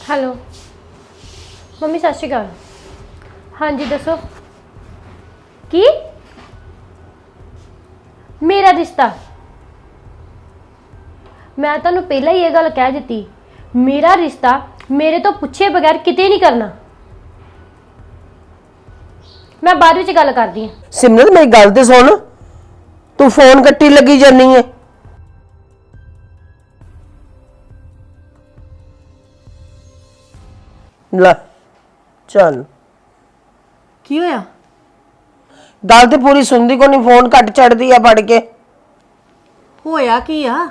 Hello mummy सत श्री अकाल। हाँ जी दसो की मेरा रिश्ता मैं तुहानू पहला ही ये गल कह दी मेरा रिश्ता मेरे तो पूछे बगैर किते नहीं करना। मैं बाद विच गल करदी हां। सिमरत मेरी गल ते सुन तू फोन कट्टी लगी जानी है। ला चल की होया? गल ते पूरी सुनदी को नहीं, फोन कट चढ़दी है पढ़ के। होया की आ?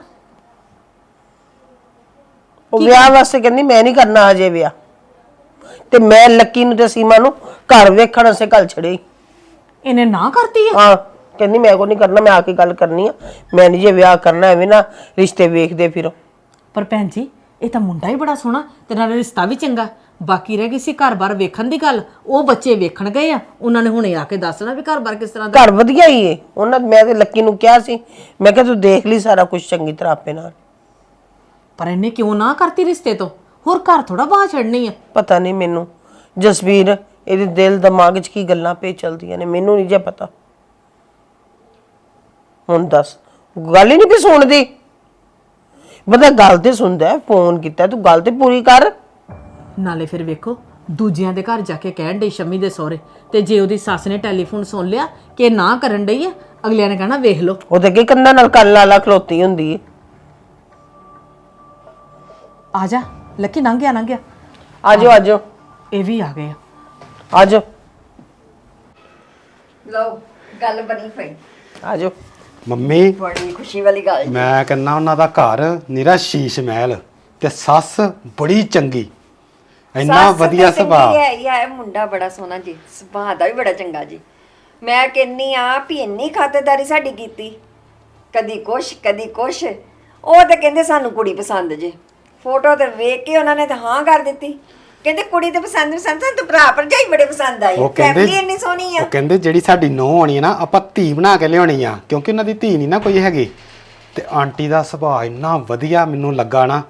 ਉਹ ਵਿਆਹ ਵਾਸਤੇ ਕਹਿੰਦੀ ਮੈਂ ਨਹੀਂ ਕਰਨਾ ਹਜੇ ਵਿਆਹ, ਤੇ ਮੈਂ ਲੱਕੀ ਨੂੰ ਤੇ ਸੀਮਾ ਨੂੰ ਘਰ ਵੇਖਣ ਵਾਸਤੇ ਘੱਲ ਛੜੇ। ਇਹਨੇ ਨਾ ਕਰਤੀ ਹੈ? ਹਾਂ ਕਹਿੰਦੀ ਮੈਂ ਕੋ ਨਹੀਂ ਕਰਨਾ, ਮੈਂ ਆ ਕੇ ਗੱਲ ਕਰਨੀ ਆ, ਮੈਂ ਨਹੀਂ ਜੇ ਵਿਆਹ ਕਰਨਾ ਐਵੇਂ ਨਾ ਰਿਸ਼ਤੇ ਵੇਖਦੇ ਫਿਰੋ। ਪਰ ਭੈਣ ਜੀ ਇਹ ਤਾਂ ਮੁੰਡਾ ਹੀ ਬੜਾ ਸੋਹਣਾ ਤੇ ਨਾਲ ਰਿਸ਼ਤਾ ਵੀ ਚੰਗਾ। ਬਾਕੀ ਰਹਿ ਗਈ ਸੀ ਘਰ-ਬਾਰ ਵੇਖਣ ਦੀ ਗੱਲ, ਉਹ ਬੱਚੇ ਵੇਖਣ ਗਏ ਆ, ਉਹਨਾਂ ਨੇ ਹੁਣੇ ਆ ਕੇ ਦੱਸਣਾ ਵੀ ਘਰ-ਬਾਰ ਕਿਸ ਤਰ੍ਹਾਂ ਦਾ। ਘਰ ਵਧੀਆ ਹੀ ਏ ਉਹਨਾਂ, ਮੈਂ ਤੇ ਲੱਕੀ ਨੂੰ ਕਿਹਾ ਸੀ, ਮੈਂ ਕਿਹਾ ਤੂੰ ਦੇਖ ਲਈ ਸਾਰਾ ਕੁਝ ਚੰਗੀ ਤਰ੍ਹਾਂ ਆਪੇ ਨਾਲ। ਪਰ ਇਹਨੇ ਕਿਉਂ ਨਾ ਕਰਤੀ ਰਿਸ਼ਤੇ ਤੋਂ? ਹੋਰ ਘਰ ਥੋੜਾ ਬਾਹ ਛੱਡਣੀ ਆ। ਪਤਾ ਨਹੀਂ ਮੈਨੂੰ ਜਸਵੀਰ ਇਹਦੇ ਦਿਲ ਦਿਮਾਗ 'ਚ ਕੀ ਗੱਲਾਂ ਪੇ ਚਲਦੀਆਂ ਨੇ, ਮੈਨੂੰ ਨਹੀਂ ਜੇ ਪਤਾ। ਹੁਣ ਦੱਸ, ਗੱਲ ਹੀ ਨਹੀਂ ਪਈ ਸੁਣਦੀ। ਬੰਦਾ ਗੱਲ ਤੇ ਸੁਣਦਾ, ਫੋਨ ਕੀਤਾ ਤੂੰ ਗੱਲ ਤੇ ਪੂਰੀ ਕਰ। ਨਾਲੇ ਫਿਰ ਵੇਖੋ ਦੂਜਿਆਂ ਦੇ ਘਰ ਜਾ ਕੇ ਕਹਿਣ ਡਈ ਸ਼ਮੀ ਦੇ ਸਹੁਰੇ, ਤੇ ਜੇ ਉਹਦੀ ਸੱਸ ਨੇ ਟੈਲੀਫੋਨ ਸੁਣ ਲਿਆ ਕਿ ਨਾ ਕਰਨ ਡਈ ਆ, ਅਗਲਿਆਂ ਨੇ ਕਹਿਣਾ ਵੇਖ ਲਓ। ਉਹ ਤੇ ਅੱਗੇ ਕੰਨਾਂ ਨਾਲ ਕੰਨ ਲਾ ਲਾ ਖਲੋਤੀ ਹੁੰਦੀ ਏ। ਆ ਜਾ ਲੱਕੀ, ਲੰਘ ਗਿਆ ਲੰਘ ਗਿਆ। ਆਜੋ ਆਜੋ ਇਹ ਵੀ ਆ ਗਏ ਆ। ਆਜੋ ਲਓ ਗੱਲ ਬਣੀ ਪਈ। ਆਜੋ। ਮੰਮੀ ਬੜੀ ਖੁਸ਼ੀ ਵਾਲੀ ਗੱਲ ਜੀ। ਮੈਂ ਕਹਿੰਦਾ ਉਹਨਾਂ ਦਾ ਘਰ ਨਿਰਾ ਸ਼ੀਸ਼ ਮਹਿਲ ਤੇ ਸੱਸ ਬੜੀ ਚੰਗੀ, ਇੰਨਾ ਵਧੀਆ ਸੁਭਾਅ। ਇਹ ਮੁੰਡਾ ਬੜਾ ਸੋਹਣਾ ਜੀ, ਸੁਭਾਅ ਦਾ ਵੀ ਬੜਾ ਚੰਗਾ ਜੀ। ਮੈਂ ਕਹਿੰਨੀ ਆ ਵੀ ਇੰਨੀ ਖਾਤਰਦਾਰੀ ਸਾਡੀ ਕੀਤੀ, ਕਦੀ ਕੁਛ ਕਦੀ ਕੁਛ। ਉਹ ਤੇ ਕਹਿੰਦੇ ਸਾਨੂੰ ਕੁੜੀ ਪਸੰਦ ਜੇ, ਫੋਟੋ ਤੇ ਵੇਖ ਕੇ ਉਹਨਾਂ ਨੇ ਤਾਂ ਹਾਂ ਕਰ ਦਿੱਤੀ। ਕਹਿੰਦੇ ਕੁੜੀ ਤੇ ਪਸੰਦ ਸਾਨੂੰ ਤਾਂ ਭਰਾ ਭਰਜਾਈ ਬੜੇ ਪਸੰਦ ਆਏ, ਫੈਮਿਲੀ ਇੰਨੀ ਸੋਹਣੀ ਆ। ਉਹ ਕਹਿੰਦੇ ਜਿਹੜੀ ਸਾਡੀ ਨੂੰਹ ਆਣੀ ਹੈ ਨਾ, ਆਪਾਂ ਧੀ ਬਣਾ ਕੇ ਲਿਆਉਣੀ ਆ, ਕਿਉਂਕਿ ਉਹਨਾਂ ਦੀ ਧੀ ਨਹੀਂ ਨਾ ਕੋਈ ਹੈਗੀ। ਤੇ ਆਂਟੀ ਦਾ ਸੁਭਾਅ ਇੰਨਾ ਵਧੀਆ ਮੈਨੂੰ ਲੱਗਾ ਨਾ,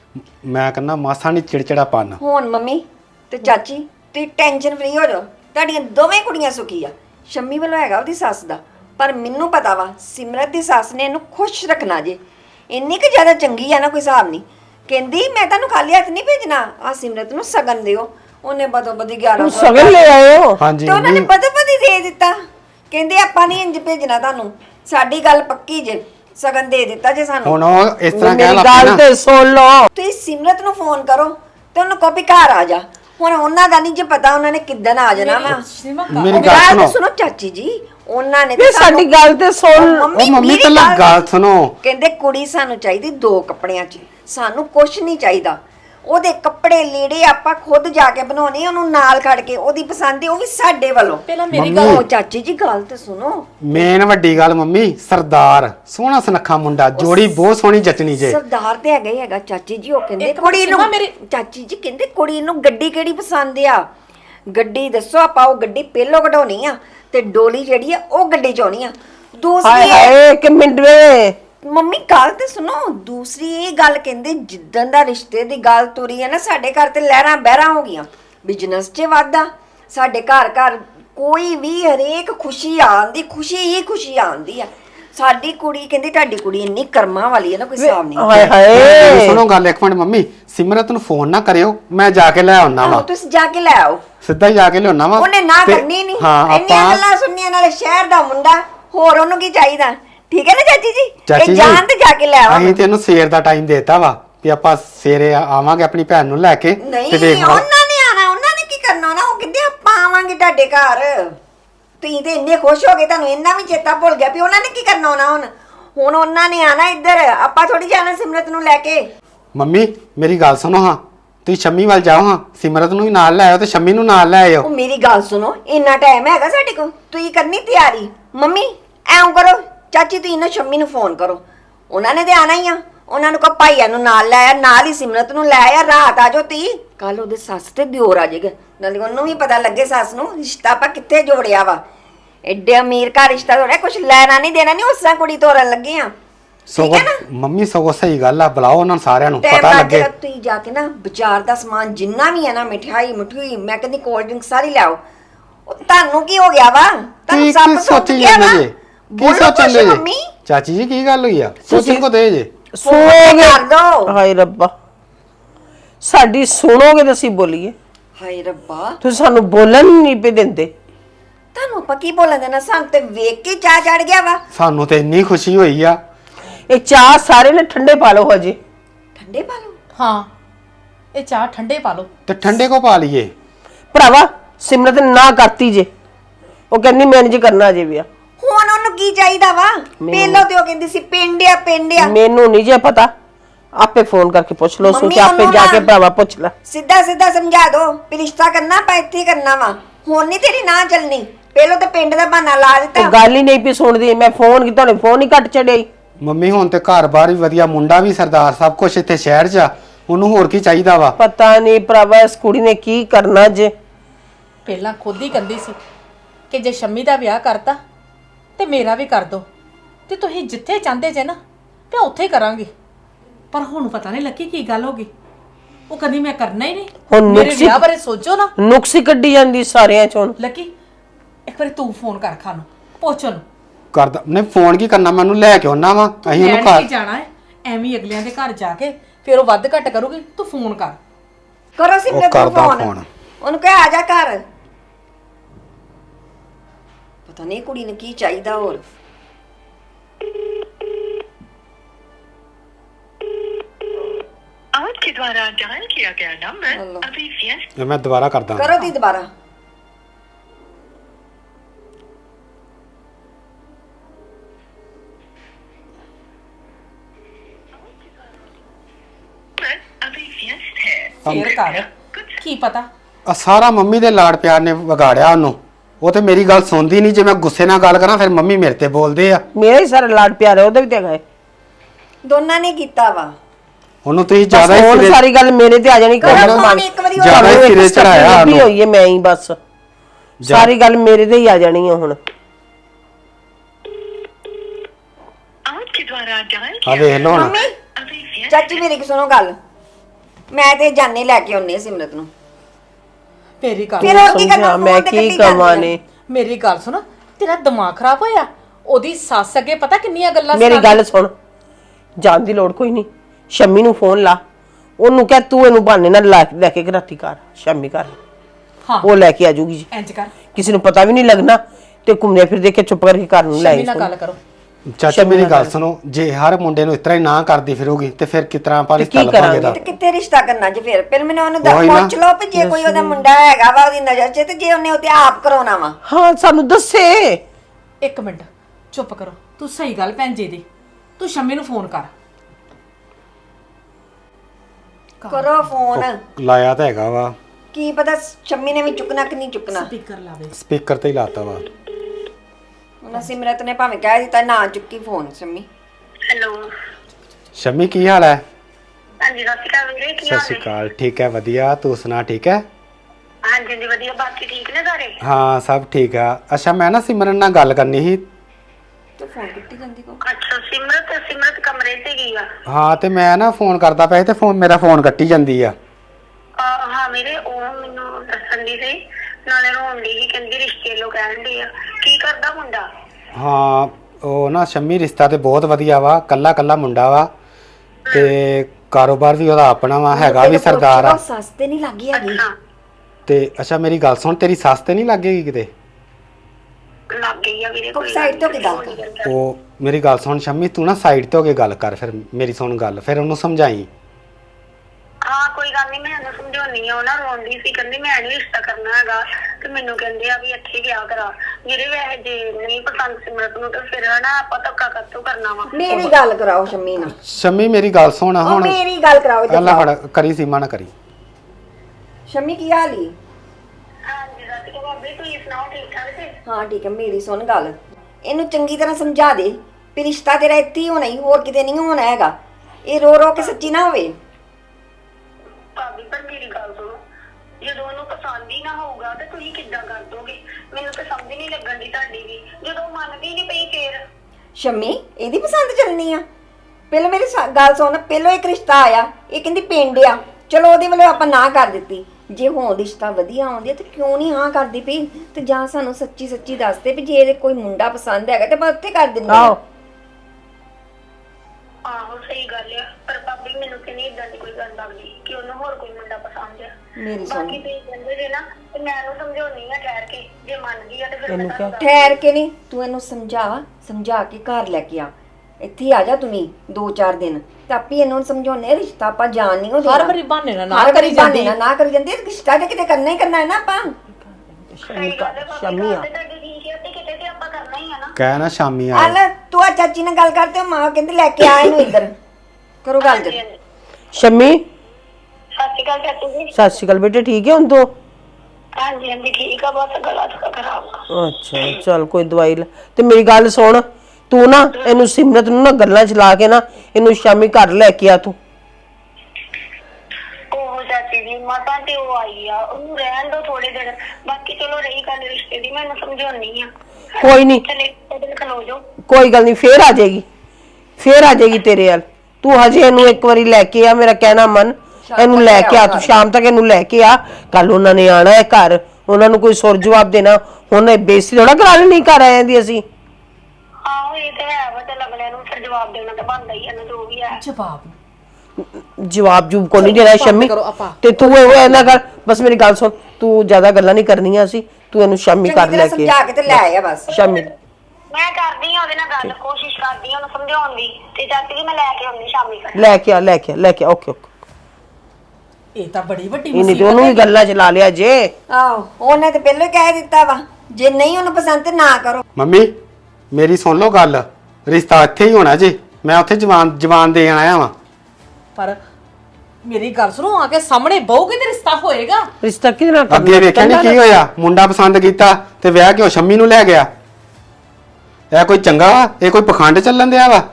ਮੈਂ ਕਹਿੰਦਾ ਮਾਸਾ ਨਹੀਂ ਚਿੜਚਿੜਾਪਨ। ਹੁਣ ਮੰਮੀ ਤੇ ਚਾਚੀ ਤੁਸੀਂ ਟੈਨਸ਼ਨ ਫ੍ਰੀ ਹੋ ਜਾਓ, ਤੁਹਾਡੀਆਂ ਦੋਵੇਂ ਕੁੜੀਆਂ ਸੁਖੀ ਆ। ਸ਼ੰਮੀ ਵੱਲੋਂ ਹੈਗਾ ਉਹਦੀ ਸੱਸ ਦਾ, ਪਰ ਮੈਨੂੰ ਪਤਾ ਵਾ ਸਿਮਰਤ ਦੀ ਸੱਸ ਨੇ ਇਹਨੂੰ ਖੁਸ਼ ਰੱਖਣਾ ਜੇ। ਇੰਨੀ ਕੁ ਜ਼ਿਆਦਾ ਚੰਗੀ ਆ ਨਾ, ਕੋਈ ਹਿਸਾਬ ਨਹੀਂ। ਕਹਿੰਦੀ ਮੈਂ ਤੁਹਾਨੂੰ ਖਾਲੀ ਹੱਥ ਨਹੀਂ ਭੇਜਣਾ, ਆ ਸਿਮਰਤ ਨੂੰ ਸਗਨ ਦਿਓ। ਉਹਨੇ ਬਦੋ ਬਦੀ 1100 ਸਗਨ ਲੈ ਆਇਓ। ਹਾਂਜੀ ਤੇ ਉਹਨਾਂ ਨੇ ਬਦੋ ਬਦੀ ਦੇ ਦਿੱਤਾ। ਕਹਿੰਦੇ ਆਪਾਂ ਨਹੀਂ ਇੰਜ ਭੇਜਣਾ ਤੁਹਾਨੂੰ, ਸਾਡੀ ਗੱਲ ਪੱਕੀ ਜੇ, ਸਗਨ ਦੇ ਦਿੱਤਾ ਜੇ ਸਾਨੂੰ। ਹੁਣ ਉਹ ਇਸ ਤਰ੍ਹਾਂ ਕਹਿ ਮੇਰੀ ਲੱਗ ਗੱਲ ਨਾ, ਤੇ ਸੁਣ ਲਓ। ਤੁਸੀਂ ਸਿਮਰਤ ਨੂੰ ਫੋਨ ਕਰੋ ਤੇ ਉਹਨੂੰ ਕਹੋ ਵੀ ਘਰ ਆ ਜਾ। ਹੁਣ ਉਹਨਾਂ ਦਾ ਨਹੀਂ ਜੇ ਪਤਾ ਉਹਨਾਂ ਨੇ ਕਿੱਦਣ ਆ ਜਾਣਾ ਵਾ। ਮੇਰੀ ਗੱਲ ਗੱਲ ਸੁਣੋ। ਸੁਣੋ ਚਾਚੀ ਜੀ, ਉਹਨਾਂ ਨੇ ਇਹ ਸਾਡੀ ਗੱਲ ਤੇ ਸੁਣ। ਉਹ ਮੰਮੀ ਮੇਰੀ ਪਹਿਲਾਂ ਗੱਲ ਸੁਣੋ। ਕਹਿੰਦੇ ਕੁੜੀ ਸਾਨੂੰ ਚਾਹੀਦੀ 2 ਕੱਪੜਿਆਂ 'ਚ, ਸਾਨੂੰ ਕੁਛ ਨਹੀਂ ਚਾਹੀਦਾ। ਉਹਦੇ ਕੱਪੜੇ ਲੀੜੇ ਆਪਾਂ ਖੁਦ ਜਾ ਕੇ ਬਣਾਉਣੇ, ਉਹਨੂੰ ਨਾਲ ਖੜ ਕੇ ਉਹਦੀ ਪਸੰਦ ਦੀ, ਉਹ ਵੀ ਸਾਡੇ ਵੱਲੋਂ। ਪਹਿਲਾਂ ਮੇਰੀ ਗੱਲ- ਉਹ ਚਾਚੀ ਜੀ ਗੱਲ ਤੇ ਸੁਣੋ। ਮੇਨ ਵੱਡੀ ਗੱਲ ਮੰਮੀ, ਸਰਦਾਰ ਸੋਹਣਾ ਸੁਨੱਖਾ ਮੁੰਡਾ, ਜੋੜੀ ਬਹੁਤ ਸੋਹਣੀ ਜਚਣੀ ਜੇ। ਸਰਦਾਰ ਤੇ ਹੈਗਾ ਹੀ ਹੈਗਾ ਚਾਚੀ ਜੀ। ਉਹ ਕਹਿੰਦੇ ਇੱਕ ਕੁੜੀ ਨੂੰ ਮਿੰਟ ਮੇਰੀ- ਚਾਚੀ ਜੀ ਕਹਿੰਦੇ ਕੁੜੀ ਨੂੰ ਗੱਡੀ ਕਿਹੜੀ ਪਸੰਦ ਆ, ਗੱਡੀ ਦੱਸੋ। ਆਪਾਂ ਉਹ ਗੱਡੀ ਪਹਿਲੋਂ ਕਢਾਉਣੀ ਆ ਤੇ ਡੋਲੀ ਜਿਹੜੀ ਆ ਉਹ ਗੱਡੀ ਚ ਆਉਣੀ ਆ। ਹਾਏ ਦੂਸਰੀ ਹਾਏ ਇੱਕ ਮਿੰਟ ਵੇ, ਮੰਮੀ ਗੱਲ ਤੇ ਸੁਣੋ। ਦੂਸਰੀ ਇਹ ਗੱਲ ਕਹਿੰਦੇ ਜਿੱਦਣ ਦਾ ਰਿਸ਼ਤੇ ਦੀ ਗੱਲ ਤੁਰੀ ਹੈ ਨਾ, ਸਾਡੇ ਘਰ ਤੇ ਲਹਿਰਾਂ ਬਹਿਰਾਂ ਹੋ ਗਈਆਂ। ਬਿਜ਼ਨਸ 'ਚ ਵਾਧਾ, ਸਾਡੇ ਘਰ ਘਰ ਕੋਈ ਵੀ ਹਰੇਕ ਖੁਸ਼ੀ ਆਉਂਦੀ, ਖੁਸ਼ੀ ਹੀ ਖੁਸ਼ੀ ਆਉਂਦੀ ਆ। ਸਾਡੀ ਕੁੜੀ ਕਹਿੰਦੀ ਤੁਹਾਡੀ ਕੁੜੀ ਇੰਨੀ ਕਰਮਾਂ ਵਾਲੀ ਹੈ ਨਾ, ਕੋਈ ਹਿਸਾਬ ਨਹੀਂ। ਹਾਏ ਹਾਏ। ਸੁਣੋ ਗੱਲ ਇੱਕ ਮਿੰਟ ਮੰਮੀ, ਸਿਮਰਤ ਨੂੰ ਫੋਨ ਨਾ ਕਰਿਓ, ਮੈਂ ਜਾ ਕੇ ਲੈ ਆਉਣਾ ਵਾ, ਤੁਸੀਂ ਜਾ ਕੇ ਲੈ ਆਓ। ਸਿੱਧਾ ਹੀ ਜਾ ਕੇ ਲਿਆਉਣਾ ਵਾ। ਉਹਨੇ ਨਾ ਤੇ ਕਰਨੀ ਨਹੀਂ। ਹਾਂ ਇੰਨੀਆਂ ਆਪਾਂ ਗੱਲਾਂ ਸੁਣਨੀਆਂ, ਨਾਲੇ ਸ਼ਹਿਰ ਦਾ ਮੁੰਡਾ, ਹੋਰ ਉਹਨੂੰ ਕੀ ਚਾਹੀਦਾ? ਠੀਕ ਹੈ ਨਾ ਚਾਚੀ ਜੀ? ਚਾਚੀ ਇਹ ਜੀ, ਜਾਣ ਤੇ ਜਾ ਕੇ ਲੈ ਆਓ। ਅਸੀਂ ਤੈਨੂੰ ਸਵੇਰ ਦਾ ਟਾਈਮ ਦੇਤਾ ਵਾ ਵੀ ਆਪਾਂ ਸਵੇਰੇ ਆਵਾਂਗੇ ਆਪਣੀ ਭੈਣ ਨੂੰ ਲੈ ਕੇ ਨਹੀਂ ਤੇ ਵੇਖ ਉਹਨਾਂ ਨੇ ਆਣਾ, ਉਹਨਾਂ ਨੇ ਕੀ ਕਰਨਾ ਨਾ। ਉਹ ਕਹਿੰਦੇ ਆਪਾਂ ਆਵਾਂਗੇ ਤੁਹਾਡੇ ਘਰ। ਤੁਸੀਂ ਤੇ ਇੰਨੇ ਖੁਸ਼ ਹੋ ਗਏ, ਤੁਹਾਨੂੰ ਇੰਨਾ ਵੀ ਚੇਤਾ ਭੁੱਲ ਗਿਆ ਵੀ ਉਹਨਾਂ ਨੇ ਕੀ ਕਰਨਾ ਹੋਣਾ। ਹੁਣ ਉਹਨਾਂ ਨੇ ਆਣਾ ਇੱਧਰ, ਆਪਾਂ ਥੋੜੀ ਜਾਣਾ ਸਿਮਰਤ ਨੂੰ ਲੈ ਕੇ। ਮੰਮੀ ਮੇਰੀ ਗੱਲ ਸੁਣੋ ਹਾਂ, ਤੁਸੀਂ ਸ਼ੰਮੀ ਵੱਲ ਜਾਓ ਹਾਂ, ਸਿਮਰਤ ਨੂੰ ਵੀ ਨਾਲ ਲੈ ਆਇਓ ਤੇ ਸ਼ੰਮੀ ਨੂੰ ਨਾਲ ਲੈ ਆਇਓ। ਉਹ ਮੇਰੀ ਗੱਲ ਸੁਣੋ, ਇੰਨਾ ਟਾਈਮ ਹੈਗਾ ਸਾਡੇ ਕੋਲ? ਤੁਸੀਂ ਕਰਨੀ ਤਿਆਰੀ। ਮੰਮੀ ਐਂ ਕਰੋ ਚਾਚੀ, ਤੁਸੀਂ ਨਾ ਸ਼ੰਮੀ ਨੂੰ ਫੋਨ ਕਰੋ, ਉਹਨਾਂ ਨੇ ਤੇ ਆਣਾ ਹੀ ਆ। ਉਹਨਾਂ ਨੂੰ ਕਹੋ ਭਾਈਆਂ ਨੂੰ ਨਾਲ ਲੈ ਆ, ਨਾਲ ਹੀ ਸਿਮਰਤ ਨੂੰ ਲੈ ਆ, ਰਾਤ ਆ ਜਾਓ। ਤੀ ਕੱਲ ਉਹਦੇ ਸੱਸ ਤੇ ਦਿਓਰ ਆ ਜਾਏਗਾ, ਨਾਲੇ ਉਹਨੂੰ ਵੀ ਪਤਾ ਲੱਗੇ ਸੱਸ ਨੂੰ ਰਿਸ਼ਤਾ ਆਪਾਂ ਕਿੱਥੇ ਜੋੜਿਆ ਵਾ। ਐਡੇ ਅਮੀਰ ਘਰ ਰਿਸ਼ਤਾ ਜੋੜਿਆ, ਕੁਛ ਲੈਣਾ ਨਹੀਂ ਦੇਣਾ ਨਹੀਂ, ਉਸਾਂ ਕੁੜੀ ਤੋਰਨ ਲੱਗੇ ਆ। ਸਗੋਂ ਮੰਮੀ ਸਗੋਂ ਸਹੀ ਗੱਲ ਆ, ਬੁਲਾਓ ਉਹਨਾਂ ਨੂੰ ਸਾਰਿਆਂ ਨੂੰ ਤੇ ਪਤਾ ਮੈਂ ਲੱਗੇ। ਜਰਾ ਤੁਸੀਂ ਜਾ ਕੇ ਨਾ ਬਾਜ਼ਾਰ ਦਾ ਸਮਾਨ ਜਿੰਨਾ ਵੀ ਹੈ ਨਾ, ਮਿਠਾਈ ਮਠੂਈ, ਮੈਂ ਕਹਿੰਦੀ ਕੋਲਡ ਡਰਿੰਕ ਸਾਰੀ ਲਿਆਓ। ਉਹ ਤੁਹਾਨੂੰ ਕੀ ਹੋ ਗਿਆ ਵਾ? ਤੁਹਾਨੂੰ ਕੀ ਸੱਪ ਕੀ ਸੁੱਟ ਸੋਚੀ ਗਿਆ ਜਾਂਦੇ ਵਾ? ਜੇ? ਕੀ ਬੋਲੋ ਸੋਚਣ ਕੁਛ ਦੇ ਜੇ? ਮੰਮੀ। ਚਾਚੀ ਜੀ ਕੀ ਗੱਲ ਹੋਈ ਆ? ਸੋਚਣ ਕੋ ਦੇ ਜੇ। ਸੁਣੋਗੇ ਕਰ ਦੋ। ਹਾਏ ਰੱਬਾ, ਸਾਡੀ ਸੁਣੋਗੇ ਤਾਂ ਅਸੀਂ ਬੋਲੀਏ। ਹਾਏ ਰੱਬਾ, ਤੁਸੀਂ ਸਾਨੂੰ ਬੋਲਣ ਹੀ ਨਹੀਂ ਪਏ ਦਿੰਦੇ। ਤੁਹਾਨੂੰ ਆਪਾਂ ਕੀ ਬੋਲਣ ਦੇਣਾ? ਸਾਨੂੰ ਤੇ ਵੇਖ ਕੇ ਚਾਹ ਚੜ ਗਿਆ ਵਾ। ਸਾਨੂੰ ਤੇ ਇੰਨੀ ਖੁਸ਼ੀ ਹੋਈ ਆ। ਇਹ ਚਾਹ ਸਾਰੇ ਨੇ ਠੰਡੇ ਪਾ ਲਓ ਹਜੇ। ਠੰਡੇ ਪਾ ਲਓ। ਹਾਂ, ਇਹ ਚਾਹ ਠੰਡੇ ਪਾ ਲਓ। ਤੇ ਠੰਡੇ ਕੋ ਪਾ ਲਈਏ? ਭਰਾਵਾ ਸਿਮਰਤ ਨੇ ਨਾ ਕਰਤੀ ਜੇ, ਉਹ ਕਹਿੰਦੀ ਮੈਨੇਜ ਕਰਨਾ ਜੇ ਵਿਆਹ। ਹੁਣ ਉਹਨੂੰ ਕੀ ਚਾਹੀਦਾ ਵਾ? ਪਹਿਲਾਂ ਤੇ ਉਹ ਕਹਿੰਦੀ ਸੀ ਪਿੰਡ ਆ। ਮੈਨੂੰ ਨਹੀਂ ਜੇ ਪਤਾ, ਆਪੇ ਫੋਨ ਕਰਕੇ ਪੁੱਛ ਲਓ, ਮੰਮੀ ਸੋਚ ਆਪੇ ਉਹਨੂੰ ਜਾ ਕੇ ਨਾ- ਭਰਾਵਾ ਪੁੱਛ ਲੈ। ਸਿੱਧਾ ਸਮਝਾ ਦੋ ਵੀ ਰਿਸ਼ਤਾ ਕਰਨਾ ਆਪਾਂ ਇੱਥੇ ਹੀ ਕਰਨਾ ਵਾ। ਹੁਣ ਨਹੀਂ ਤੇਰੀ ਨਾ ਚੱਲਣੀ। ਪਹਿਲਾਂ ਤਾਂ ਪਿੰਡ ਦਾ ਬਹਾਨਾ ਲਾ ਉਹ ਦਿੱਤਾ। ਗੱਲ ਹੀ ਨਹੀਂ ਪਈ ਸੁਣਦੀ। ਮੈਂ ਫੋਨ ਕੀਤਾ, ਉਹਨੇ ਫੋਨ ਹੀ ਕੱਟ ਛੱਡਿਆ ਈ। ਮੰਮੀ ਹੁਣ ਤੇ ਘਰ-ਬਾਰ ਵੀ ਵਧੀਆ, ਮੁੰਡਾ ਵੀ ਸਰਦਾਰ, ਸਭ ਕੁਝ ਇੱਥੇ ਸ਼ਹਿਰ 'ਚ ਆ। ਉਹਨੂੰ ਹੋਰ ਕੀ ਚਾਹੀਦਾ ਵਾ? ਪਤਾ ਨਹੀਂ ਭਰਾਵਾ ਇਸ ਕੁੜੀ ਨੇ ਕੀ ਕਰਨਾ ਜੇ। ਪਹਿਲਾਂ ਖੁਦ ਹੀ ਕਹਿੰਦੀ ਸੀ ਕਿ ਜੇ ਸ਼ੰਮੀ ਦਾ ਵਿਆਹ ਕਰਤਾ ਤੇ ਮੇਰਾ ਵੀ ਕਰ ਦੋ, ਤੇ ਤੁਸੀਂ ਜਿੱਥੇ ਚਾਹੁੰਦੇ ਜੇ ਨਾ ਤੇ ਉੱਥੇ ਕਰਾਂਗੇ। ਪਰ ਹੁਣ ਪਤਾ ਨਹੀਂ ਲੱਗੀ ਕੀ ਗੱਲ ਹੋ ਗਈ। ਉਹ ਕਹਿੰਦੀ ਮੈਂ ਕਰਨਾ ਹੀ ਨਹੀਂ। ਹੁਣ ਮੇਰੇ ਨੁਕਸ ਹੀ- ਵਿਆਹ ਬਾਰੇ ਸੋਚੋ ਨਾ। ਨੁਕਸ ਹੀ ਕੱਢੀ ਜਾਂਦੀ ਸਾਰਿਆਂ ਚੋਂ। ਲੱਕੀ, ਇੱਕ ਵਾਰੀ ਤੂੰ ਫੋਨ ਕਰ ਖਾਨੂੰ, ਪੁੱਛ ਉਹਨੂੰ। ਕਰਦਾ ਨਹੀਂ ਫੋਨ, ਕੀ ਕਰਨਾ? ਮੈਨੂੰ ਲੈ ਕੇ ਆਉਣਾ ਵਾ, ਅਸੀਂ ਲੈਣ ਉਹਨੂੰ ਕੀ ਘਰ। ਜਾਣਾ ਹੈ? ਐਵੇਂ ਹੀ ਅਗਲਿਆਂ ਦੇ ਘਰ ਜਾ ਕੇ ਫਿਰ ਉਹ ਵੱਧ ਘੱਟ ਕਰੂਗੀ। ਤੂੰ ਫੋਨ ਕਰ। ਕਰੋ ਸਿਮਰਤ ਨੂੰ ਕਰਦਾ ਫੋਨ। ਫੋਨ। ਉਹਨੂੰ ਕਹਿ ਆ ਜਾ ਘਰ। ਪਤਾ ਨਹੀਂ ਕੁੜੀ ਨੂੰ ਕੀ ਚਾਹੀਦਾ ਹੋਰ। आपके द्वारा डायल किया गया नंबर हेलो। अभी व्यस्त ਜੇ ਮੈਂ ਦੁਬਾਰਾ ਕਰਦਾ। ਕਰੋ ਦੀ ਦੁਬਾਰਾ। नंबर अभी व्यस्त है। ਫੇਰ ਕਰ, ਕੀ ਪਤਾ। ਆ ਸਾਰਾ ਮੰਮੀ ਦੇ ਲਾੜ ਪਿਆਰ ਨੇ ਵਿਗਾੜਿਆ ਉਹਨੂੰ। ਉਹ ਤੇ ਮੇਰੀ ਗੱਲ ਸੁਣਦੀ ਨਹੀਂ। ਜੇ ਮੈਂ ਗੁੱਸੇ ਨਾਲ ਗੱਲ ਕਰਾਂ ਫਿਰ ਮੰਮੀ ਮੇਰੇ ਤੇ ਬੋਲਦੇ ਆ। ਮੇਰਾ ਹੀ ਸਾਰਾ ਲਾਡ ਪਿਆਰ ਹੈ, ਉਹਦਾ ਵੀ ਤੇ ਗਏ। ਦੋਨਾਂ ਨੇ ਕੀਤਾ ਵਾ। ਉਹਨੂੰ ਤੁਸੀਂ ਜ਼ਿਆਦਾ ਹੀ ਹੁਣ ਸਿਰੇ- ਸਾਰੀ ਗੱਲ ਮੇਰੇ ਤੇ ਆ ਜਾਣੀ। ਕਰੋ ਘੁੰਮਣ ਫੋਨ ਇੱਕ ਵਾਰੀ ਹੋਰ। ਜ਼ਿਆਦਾ ਹੀ ਸਿਰੇ ਚੜਾਇਆ ਲੱਗੀ ਉਹਨੂੰ। ਹੋਈ ਹੈ ਮੈਂ ਹੀ ਬਸ। ਸਾਰੀ ਗੱਲ ਮੇਰੇ ਤੇ ਹੀ ਆ ਜਾਣੀ ਹੈ ਹੁਣ। आपके द्वारा डायल ਆ ਵੇਖ ਲਓ ਹੁਣ। ਮੰਮੀ अभी व्यस्त ਚਾਚੀ ਮੇਰੀ ਸੁਣੋ ਗੱਲ। ਮੈਂ ਤੇ ਜਾਣੇ ਲੈ ਕੇ ਆਉਣੀ ਸਿਮਰਤ ਨੂੰ। ਮੇਰੀ ਗੱਲ ਫਿਰ ਹੋਰ ਕੀ ਸਮਝਿਆ ਕਰਨਾ? ਮੈਂ ਫੋਨ ਤੇ ਕੀ ਕੱਟੀ ਕਵਾਂ ਜਾਂਦੀ ਨੇ। ਮੇਰੀ ਗੱਲ ਸੁਣ, ਤੇਰਾ ਦਿਮਾਗ ਖਰਾਬ ਹੋਇਆ? ਉਹਦੀ ਸੱਸ ਅੱਗੇ ਪਤਾ ਕਿੰਨੀਆਂ ਗੱਲਾਂ ਮੇਰੀ ਸੁਣਾਉਂਦੀ। ਗੱਲ ਸੁਣ, ਜਾਣ ਦੀ ਲੋੜ ਕੋਈ ਨਹੀਂ। ਸ਼ੰਮੀ ਨੂੰ ਫੋਨ ਲਾ, ਉਹਨੂੰ ਕਹਿ ਤੂੰ ਇਹਨੂੰ ਬਹਾਨੇ ਨਾਲ ਲੈ ਕੇ ਰਾਤੀ ਘਰ, ਸ਼ੰਮੀ ਘਰ ਹਾਂ, ਉਹ ਲੈ ਕੇ ਆ ਜੂਗੀ ਜੀ। ਇੰਜ ਕਰ, ਕਿਸੇ ਨੂੰ ਪਤਾ ਵੀ ਨਹੀਂ ਲੱਗਣਾ ਤੇ ਘੁੰਮਦੇ ਫਿਰਦੇ ਕੇ ਚੁੱਪ ਕਰਕੇ ਘਰ ਨੂੰ ਲੈ ਸ਼ਮੀ ਆਈ। ਨਾਲ ਗੱਲ ਕਰੋ। ਚਾਚਾ ਮੇਰੀ ਗੱਲ ਸੁਣੋ, ਜੇ ਹਰ ਮੁੰਡੇ ਨੂੰ ਇਸ ਤਰ੍ਹਾਂ ਹੀ ਨਾ ਕਰਦੀ ਫਿਰੋਗੀ ਤੇ ਫਿਰ ਕਿਸ ਤਰ੍ਹਾਂ ਆਪਾਂ ਤੇ ਰਿਸ਼ਤਾ ਕੀ ਲੱਭਾਂਗੇ ਕਰਾਂਗੇ? ਦਾ? ਤੇ ਕਿੱਥੇ ਰਿਸ਼ਤਾ ਕਰਨਾ ਜੇ ਫਿਰ ਮੈਨੂੰ ਉਹਨੂੰ ਉਹੀ ਨਾ। ਪੁੱਛ ਲਓ ਵੀ ਜੇ ਕੋਈ ਉਹਦਾ ਮੁੰਡਾ ਹੈਗਾ ਵਾ ਉਹਦੀ ਨਜ਼ਰ 'ਚ, ਤੇ ਜੇ ਉਹਨੇ ਉਹਤੇ ਆਪ ਕਰਾਉਣਾ ਵਾ। ਹਾਂ ਸਾਨੂੰ ਦੱਸੇ। ਇੱਕ ਮਿੰਟ ਚੁੱਪ ਕਰੋ। ਤੂੰ ਸਹੀ ਗੱਲ ਭੈਣ ਜੀ ਦੀ, ਤੂੰ ਸ਼ਮੀ ਨੂੰ ਫੋਨ ਕਰ। ਕਰੋ ਫੋਨ। ਲਾਇਆ ਤਾਂ ਹੈਗਾ ਵਾ, ਕੀ ਪਤਾ ਸ਼ੰਮੀ ਨੇ ਵੀ ਚੁੱਕਣਾ ਕਿ ਨਹੀਂ ਚੁੱਕਣਾ। ਸਪੀਕਰ ਲਾਵੇ। ਸਪੀਕਰ ਤੇ ਹੀ ਲਾਤਾ ਵਾ। ਉਹਨਾਂ ਸਿਮਰਤ ਨੇ ਭਾਵੇਂ ਕਹਿ ਦਿੱਤਾ ਨਾ ਚੁੱਕੀ ਫੋਨ ਸ਼ੰਮੀ। हेलो ਸ਼ਮੀ ਕੀ ਹਾਲ ਹੈ? हाँ जी सत श्रीकाल वीरे की ਸਤਿ हाल ਸ਼੍ਰੀ है? ਅਕਾਲ। ਠੀਕ ਹੈ, ਵਧੀਆ। ਤੂੰ ਸੁਣਾ, ਠੀਕ ਹੈ? हाँ जी जी वधिया बाकी ठीक ने सारे? ਹਾਂ ਸਭ ਠੀਕ ਆ। ਅੱਛਾ ਮੈਂ ਨਾ ਸਿਮਰਨ ਨਾਲ ਗੱਲ ਕਰਨੀ ਸੀ। ਤੂੰ ਫੋਨ ਕੱਟੀ ਜਾਂਦੀ ਕੋ। अच्छा सिमरत कमरे से गई आ। ਹਾਂ ਤੇ ਮੈਂ ਨਾ ਫੋਨ ਕਰਦਾ ਪਿਆ ਸੀ ਤੇ ਮੇਰਾ ਫੋਨ ਕੱਟੀ ਜਾਂਦੀ ਆ। हाँ मेरे ਉਹ ਮੈਨੂੰ ਦੱਸਣ ਦੀ ਸੀ ਨਾਲੇ ਰੋਣ ਦੀ ਸੀ, ਕਹਿੰਦੀ ਰਿਸ਼ਤੇ ਲੋ ਕਹਿਣ ਦੀ ਆ। ਕੀ ਕਰਦਾ ਮੁੰਡਾ? ਹਾਂ ਉਹ ਨਾ ਸ਼ਮੀ ਰਿਸ਼ਤਾ ਤੇ ਬਹੁਤ ਵਧੀਆ ਵਾ, ਕੱਲਾ ਕੱਲਾ ਮੁੰਡਾ ਵਾ ਤੇ ਕਾਰੋਬਾਰ ਵੀ ਉਹਦਾ ਆਪਣਾ ਵਾ, ਹੈਗਾ ਵੀ ਸਰਦਾਰ ਆ। ਸੱਸ ਤੇ ਨਹੀਂ ਲੱਗੀ ਹੈਗੀ। ਅੱਛਾ ਤੇ ਅੱਛਾ ਮੇਰੀ ਗੱਲ ਸੁਣ, ਤੇਰੀ ਸੱਸ ਤੇ ਨਹੀਂ ਲੱਗੇਗੀ ਕਿਤੇ? ਲੱਗ ਗਈ ਆ ਵੀਰੇ। ਤੂੰ ਸਾਈਡ ਤੋਂ ਕਿੱਦਾਂ ਕਰ। ਉਹ ਮੇਰੀ ਗੱਲ ਸੁਣ ਸ਼ਮੀ, ਤੂੰ ਨਾ ਸਾਈਡ ਤੇ ਹੋ ਕੇ ਗੱਲ ਕਰ। ਫਿਰ ਮੇਰੀ ਸੁਣ ਗੱਲ, ਫਿਰ ਉਹਨੂੰ ਸਮਝਾਈ। ਹਾਂ ਕੋਈ ਗੱਲ ਨਹੀਂ, ਮੈਂ ਉਹਨੂੰ ਸਮਝਾਉਣੀ ਆ। ਉਹ ਨਾ ਰੋਂਦੀ ਸੀ, ਕਹਿੰਦੀ ਮੈਂ ਨਹੀਂ ਰਿਸ਼ਤਾ ਕਰਨਾ ਹੈਗਾ ਤੇ ਮੈਨੂੰ ਕਹਿੰਦੇ ਆ ਵੀ ਇੱਥੇ ਵਿਆਹ ਕਰਾ। ਜਿਹੜੇ ਵੈਸੇ ਜੇ ਨਹੀਂ ਪਸੰਦ ਸਿਮਰਤ ਨੂੰ ਤੇ ਫਿਰ ਨਾ ਆਪਾਂ ਧੱਕਾ ਕਾਤੋਂ ਕਰਨਾ ਵਾ। ਮੇਰੀ ਗੱਲ ਕਰਾਓ ਸ਼ੰਮੀ ਨਾਲ। ਸ਼ਮੀ ਮੇਰੀ ਗੱਲ ਸੁਣ ਉਹ ਹੁਣ। ਮੇਰੀ ਗੱਲ ਕਰਾਓ ਇੱਧਰ ਅੱਲਾ ਕਰਾਓ। ਫੜ ਕਰੀ, ਸੀਮਾ ਨਾ ਕਰੀ। ਸ਼ੰਮੀ ਕੀ ਹਾਲ ਈ? ਹਾਂ ਜੀ ਸਤਿ ਸ਼੍ਰੀ ਅਕਾਲ। ਤੁਸੀਂ ਸੁਣਾਓ ਠੀਕ ਠਾਕ ਜੀ? ਹਾਂ ਠੀਕ ਹੈ। ਮੇਰੀ ਸੁਣ ਗੱਲ, ਇਹਨੂੰ ਚੰਗੀ ਤਰ੍ਹਾਂ ਸਮਝਾ ਦੇ ਵੀ ਰਿਸ਼ਤਾ ਤੇਰਾ ਇੱਥੇ ਹੀ ਹੋਣਾ ਹੀ, ਹੋਰ ਕਿਤੇ ਨਹੀਂ ਹੋਣਾ ਹੈਗਾ। ਇਹ ਰੋ ਰੋ ਕੇ ਸੱਚੀ ਨਾ ਹੋਵੇ। ਭਾਬੀ ਪਰ ਮੇਰੀ ਗੱਲ ਸੁਣੋ, ਜਦੋਂ ਉਹਨੂੰ ਪਸੰਦ ਹੀ ਨਾ ਹੋਊਗਾ ਤੇ ਤੁਸੀਂ ਕਿੱਦਾਂ ਕਰ ਦੋਗੇ? ਮੈਨੂੰ ਤਾਂ ਸਮਝ ਨਹੀਂ ਲੱਗਣ ਦੀ ਤੁਹਾਡੀ ਵੀ। ਜਦੋਂ ਮੰਨਦੀ ਨਹੀਂ ਪਈ ਫੇਰ ਸ਼ੰਮੀ ਇਹਦੀ ਪਸੰਦ ਚੱਲਣੀ ਆ। ਪਹਿਲਾਂ ਮੇਰੀ ਗੱਲ ਸੁਣ, ਪਹਿਲਾਂ ਇੱਕ ਰਿਸ਼ਤਾ ਆਇਆ, ਇਹ ਕਹਿੰਦੀ ਪਿੰਡ ਆ, ਚਲੋ ਉਹਦੇ ਵੱਲੋਂ ਆਪਾਂ ਨਾ ਕਰ ਦਿੱਤੀ। ਜੇ ਹੁਣ ਰਿਸ਼ਤਾ ਵਧੀਆ ਆਉਂਦੀ ਤੇ ਕਿਉਂ ਨਹੀਂ ਹਾਂ ਕਰਦੀ ਪਈ? ਤੇ ਜਾਂ ਸਾਨੂੰ ਸੱਚੀ ਸੱਚੀ ਦੱਸਦੇ ਵੀ ਜੇ ਇਹਦੇ ਕੋਈ ਮੁੰਡਾ ਪਸੰਦ ਹੈਗਾ ਤੇ ਮੈਂ ਉੱਥੇ ਕਰ ਦਿੰਦੀ ਆਹੋ ਆਹੋ ਸਹੀ ਗੱਲ ਆ, ਪਰ ਭਾਬੀ ਮੈਨੂੰ ਤੇ ਨਹੀਂ ਇਦਾਂ ਦੀ ਕੋਈ ਗੱਲ ਲੱਗਦੀ ਕਿ ਉਹਨੂੰ ਹੋਰ ਕੋਈ ਮੁੰਡਾ ਪਸੰਦ ਆ। ਮੇਰੀ ਸੁਣ, ਬਾਕੀ ਤੁਸੀਂ ਕਹਿੰਦੇ ਜੇ ਨਾ ਤੇ ਮੈਂ ਉਹਨੂੰ ਸਮਝਾਉਣੀ ਆ ਠਹਿਰ ਕੇ, ਜੇ ਮੰਨ ਗਈ ਆ ਤੇ ਫਿਰ ਮੈਂ ਤੁਹਾਨੂੰ ਦੱਸ- ਠਹਿਰ ਕੇ ਨਹੀਂ, ਤੂੰ ਇਹਨੂੰ ਸਮਝਾ ਕੇ ਘਰ ਲੈ ਕੇ ਆ। ਇੱਥੇ ਆ ਜਾ ਤੂੰ 2-4 ਦਿਨ ਤੇ ਆਪੀ ਇਹਨੂੰ ਸਮਝਾਉਣੇ ਰਿਸ਼ਤਾ ਆਪਾਂ ਜਾਣ ਨਹੀਂ ਉਹ ਹਰ ਵਾਰੀ ਬਹਾਨੇ ਨਾਲ ਨਾ ਹਰ ਕਰੀ ਵਾਰੀ ਜਾਂਦੀ ਬਹਾਨੇ ਨਾਲ ਨਾ ਕਰੀ ਜਾਂਦੀ, ਰਿਸ਼ਤਾ ਤੇ ਕਿਤੇ ਕਰਨਾ ਹੀ ਕਰਨਾ ਹੈ ਨਾ ਆਪਾਂ। ਸਹੀ ਗੱਲ ਹੈ ਭਾਬੀ, ਸ਼ਮੀ ਆ ਗੱਲ ਤੇ ਤੁਹਾਡੀ ਠੀਕ ਹੈ ਤੇ ਕਿਤੇ ਤੇ ਆਪਾਂ ਕਰਨਾ ਹੀ ਆ ਨਾ। ਕਹਿ ਨਾ ਸ਼ਾਮੀ ਆ ਆ ਲੈ ਤੂੰ ਆ ਚਾਚੀ ਨਾਲ ਗੱਲ ਕਰ ਤੇ ਉਹ ਮਾਂ ਕਹਿੰਦੀ ਲੈ ਕੇ ਆ ਇਹਨੂੰ ਇੱਧਰ ਕਰੋ ਗੱਲ ਜੀ। ਸ਼ਮੀ ਸਤਿ ਸ਼੍ਰੀ ਅਕਾਲ ਚਾਚੂ ਜੀ। ਸਤਿ ਸ਼੍ਰੀ ਅਕਾਲ ਬੇਟੇ, ਠੀਕ ਹੈ ਹੁਣ ਤੂੰ? ਹਾਂਜੀ ਹਾਂਜੀ ਠੀਕ ਆ, ਬਸ ਗਲਾ ਥੋੜਾ ਖਰਾਬ ਆ। ਅੱਛਾ ਚਲ ਕੋਈ ਦਵਾਈ ਲੈ। ਤੇ ਮੇਰੀ ਗੱਲ ਸੁਣ, ਤੂੰ ਨਾ ਇਹਨੂੰ ਸਿਮਰਤ ਨੂੰ ਨਾ ਗੱਲਾਂ ਚ ਲਾ ਕੇ ਨਾ ਇਹਨੂੰ ਸ਼ਾਮੀ ਘਰ ਲੈ ਕੇ ਆ ਤੂੰ। ਉਹ ਚਾਚੀ ਜੀ ਮਾਤਾ ਤੇ ਉਹ ਆਈ ਆ, ਉਹਨੂੰ ਰਹਿਣ ਦੋ ਥੋੜੇ ਦਿਨ, ਬਾਕੀ ਚਲੋ ਰਹੀ ਗੱਲ ਰਿਸ਼ਤੇ ਦੀ ਮੈਂ ਇਹਨੂੰ ਸਮਝਾਉਣੀ ਆ। ਕੋਈ ਨਹੀਂ, ਚਲੇ ਇੱਕ ਦਿਨ ਖਲੋ ਜਾਓ। ਕੋਈ ਗੱਲ ਨਹੀਂ, ਫੇਰ ਆ ਜਾਏਗੀ, ਫੇਰ ਆ ਜਾਏਗੀ ਤੇਰੇ ਵੱਲ। ਤੂੰ ਹਜੇ ਇਹਨੂੰ ਇੱਕ ਵਾਰੀ ਲੈ ਕੇ ਆ, ਮੇਰਾ ਕਹਿਣਾ ਮੰਨ, ਇਹਨੂੰ ਲੈ ਕੇ ਆ ਤੂੰ, ਸ਼ਾਮ ਤੱਕ ਇਹਨੂੰ ਲੈ ਕੇ ਆ। ਕੱਲ ਉਹਨਾਂ ਨੇ ਆਣਾ ਹੈ ਘਰ, ਉਹਨਾਂ ਨੂੰ ਕੋਈ ਸੁਰ ਜਵਾਬ ਦੇਣਾ। ਹੁਣ ਬੇਇੱਜ਼ਤੀ ਥੋੜਾ ਕਰਾ ਲੈਣੀ ਘਰ ਆਇਆਂ ਦੀ ਅਸੀਂ। ਆਹੋ ਇਹ ਤੇ ਹੈ ਵਾ, ਚੱਲ ਅਗਲੇ ਨੂੰ ਫਿਰ ਜਵਾਬ ਦੇਣਾ ਤਾਂ ਬਣਦਾ ਹੀ ਹੈ ਨਾ, ਜੋ ਵੀ ਹੈ। ਜਵਾਬ ਜੂਬ ਕੋ ਨਹੀਂ ਦੇਣਾ ਸ਼ਮੀ। ਕਰੋ ਆਪਾਂ। ਤੇ ਤੂੰ ਇਹ ਇਹਨਾਂ ਕਰ, ਬਸ ਮੇਰੀ ਗੱਲ ਸੁਣ, ਤੂੰ ਜ਼ਿਆਦਾ ਗੱਲਾਂ ਨਹੀਂ ਕਰਨੀਆਂ ਅਸੀਂ, ਤੂੰ ਇਹਨੂੰ ਸ਼ਾਮੀ ਘਰ ਲੈ ਕੇ ਸਮਝਾ ਕੇ ਤੇ ਲੈ ਆ ਬਸ। ਸ਼ਾਮੀ ਮੈਂ ਕਰਦੀ ਆ ਉਹਦੇ ਨਾਲ ਗੱਲ, ਕੋਸ਼ਿਸ਼ ਕਰਦੀ ਆ ਉਹਨੂੰ ਸਮਝਾਉਣ ਦੀ, ਤੇ ਚਾਚੀ ਜੀ ਮੈਂ ਲੈ ਕੇ ਆਉਂਦੀ ਸ਼ਾਮੀ ਫਿਰ। ਲੈ ਕੇ ਆ, ਲੈ ਕੇ ਆ, ਲੈ ਕੇ ਆ। ਓਕੇ ਓਕੇ, ਇਹ ਤਾਂ ਬੜੀ ਵੱਡੀ ਇਹਨੇ ਤੇ ਮੁਸੀਬਤ ਉਹਨੂੰ ਹੈ। ਵੀ ਗੱਲਾਂ ਚ ਲਾ ਲਿਆ ਜੇ। ਆਹੋ ਉਹਨੇ ਤੇ ਪਹਿਲਾਂ ਹੀ ਕਹਿ ਦਿੱਤਾ ਵਾ, ਜੇ ਨਹੀਂ ਉਹਨੂੰ ਪਸੰਦ ਤੇ ਨਾ ਕਰੋ। ਮੰਮੀ ਮੇਰੀ ਸੁਣ ਲਓ ਗੱਲ, ਰਿਸ਼ਤਾ ਇੱਥੇ ਹੀ ਹੋਣਾ ਜੇ, ਮੈਂ ਉੱਥੇ ਜਵਾਨ ਦੇਣ ਆਇਆ ਵਾਂ। ਪਰ ਮੇਰੀ ਗੱਲ ਸੁਣੋ, ਆ ਕੇ ਸਾਹਮਣੇ ਬਹੂਗੇ ਤੇ ਰਿਸ਼ਤਾ ਹੋਏਗਾ। ਰਿਸ਼ਤਾ ਕਿਹਦੇ ਨਾਲ ਕਰਨਾ? ਅੱਗੇ ਵੇਖਿਆ ਨਹੀਂ ਕੀ ਹੋਇਆ, ਮੁੰਡਾ ਪਸੰਦ ਕੀਤਾ ਤੇ ਵਿਆਹ ਕਿਉਂ ਸ਼ੰਮੀ ਨੂੰ ਲੈ ਗਿਆ? ਇਹ ਕੋਈ ਚੰਗਾ ਵਾ? ਇਹ ਕੋਈ ਪਖੰਡ ਚੱਲਣ ਦਿਆ ਵਾ?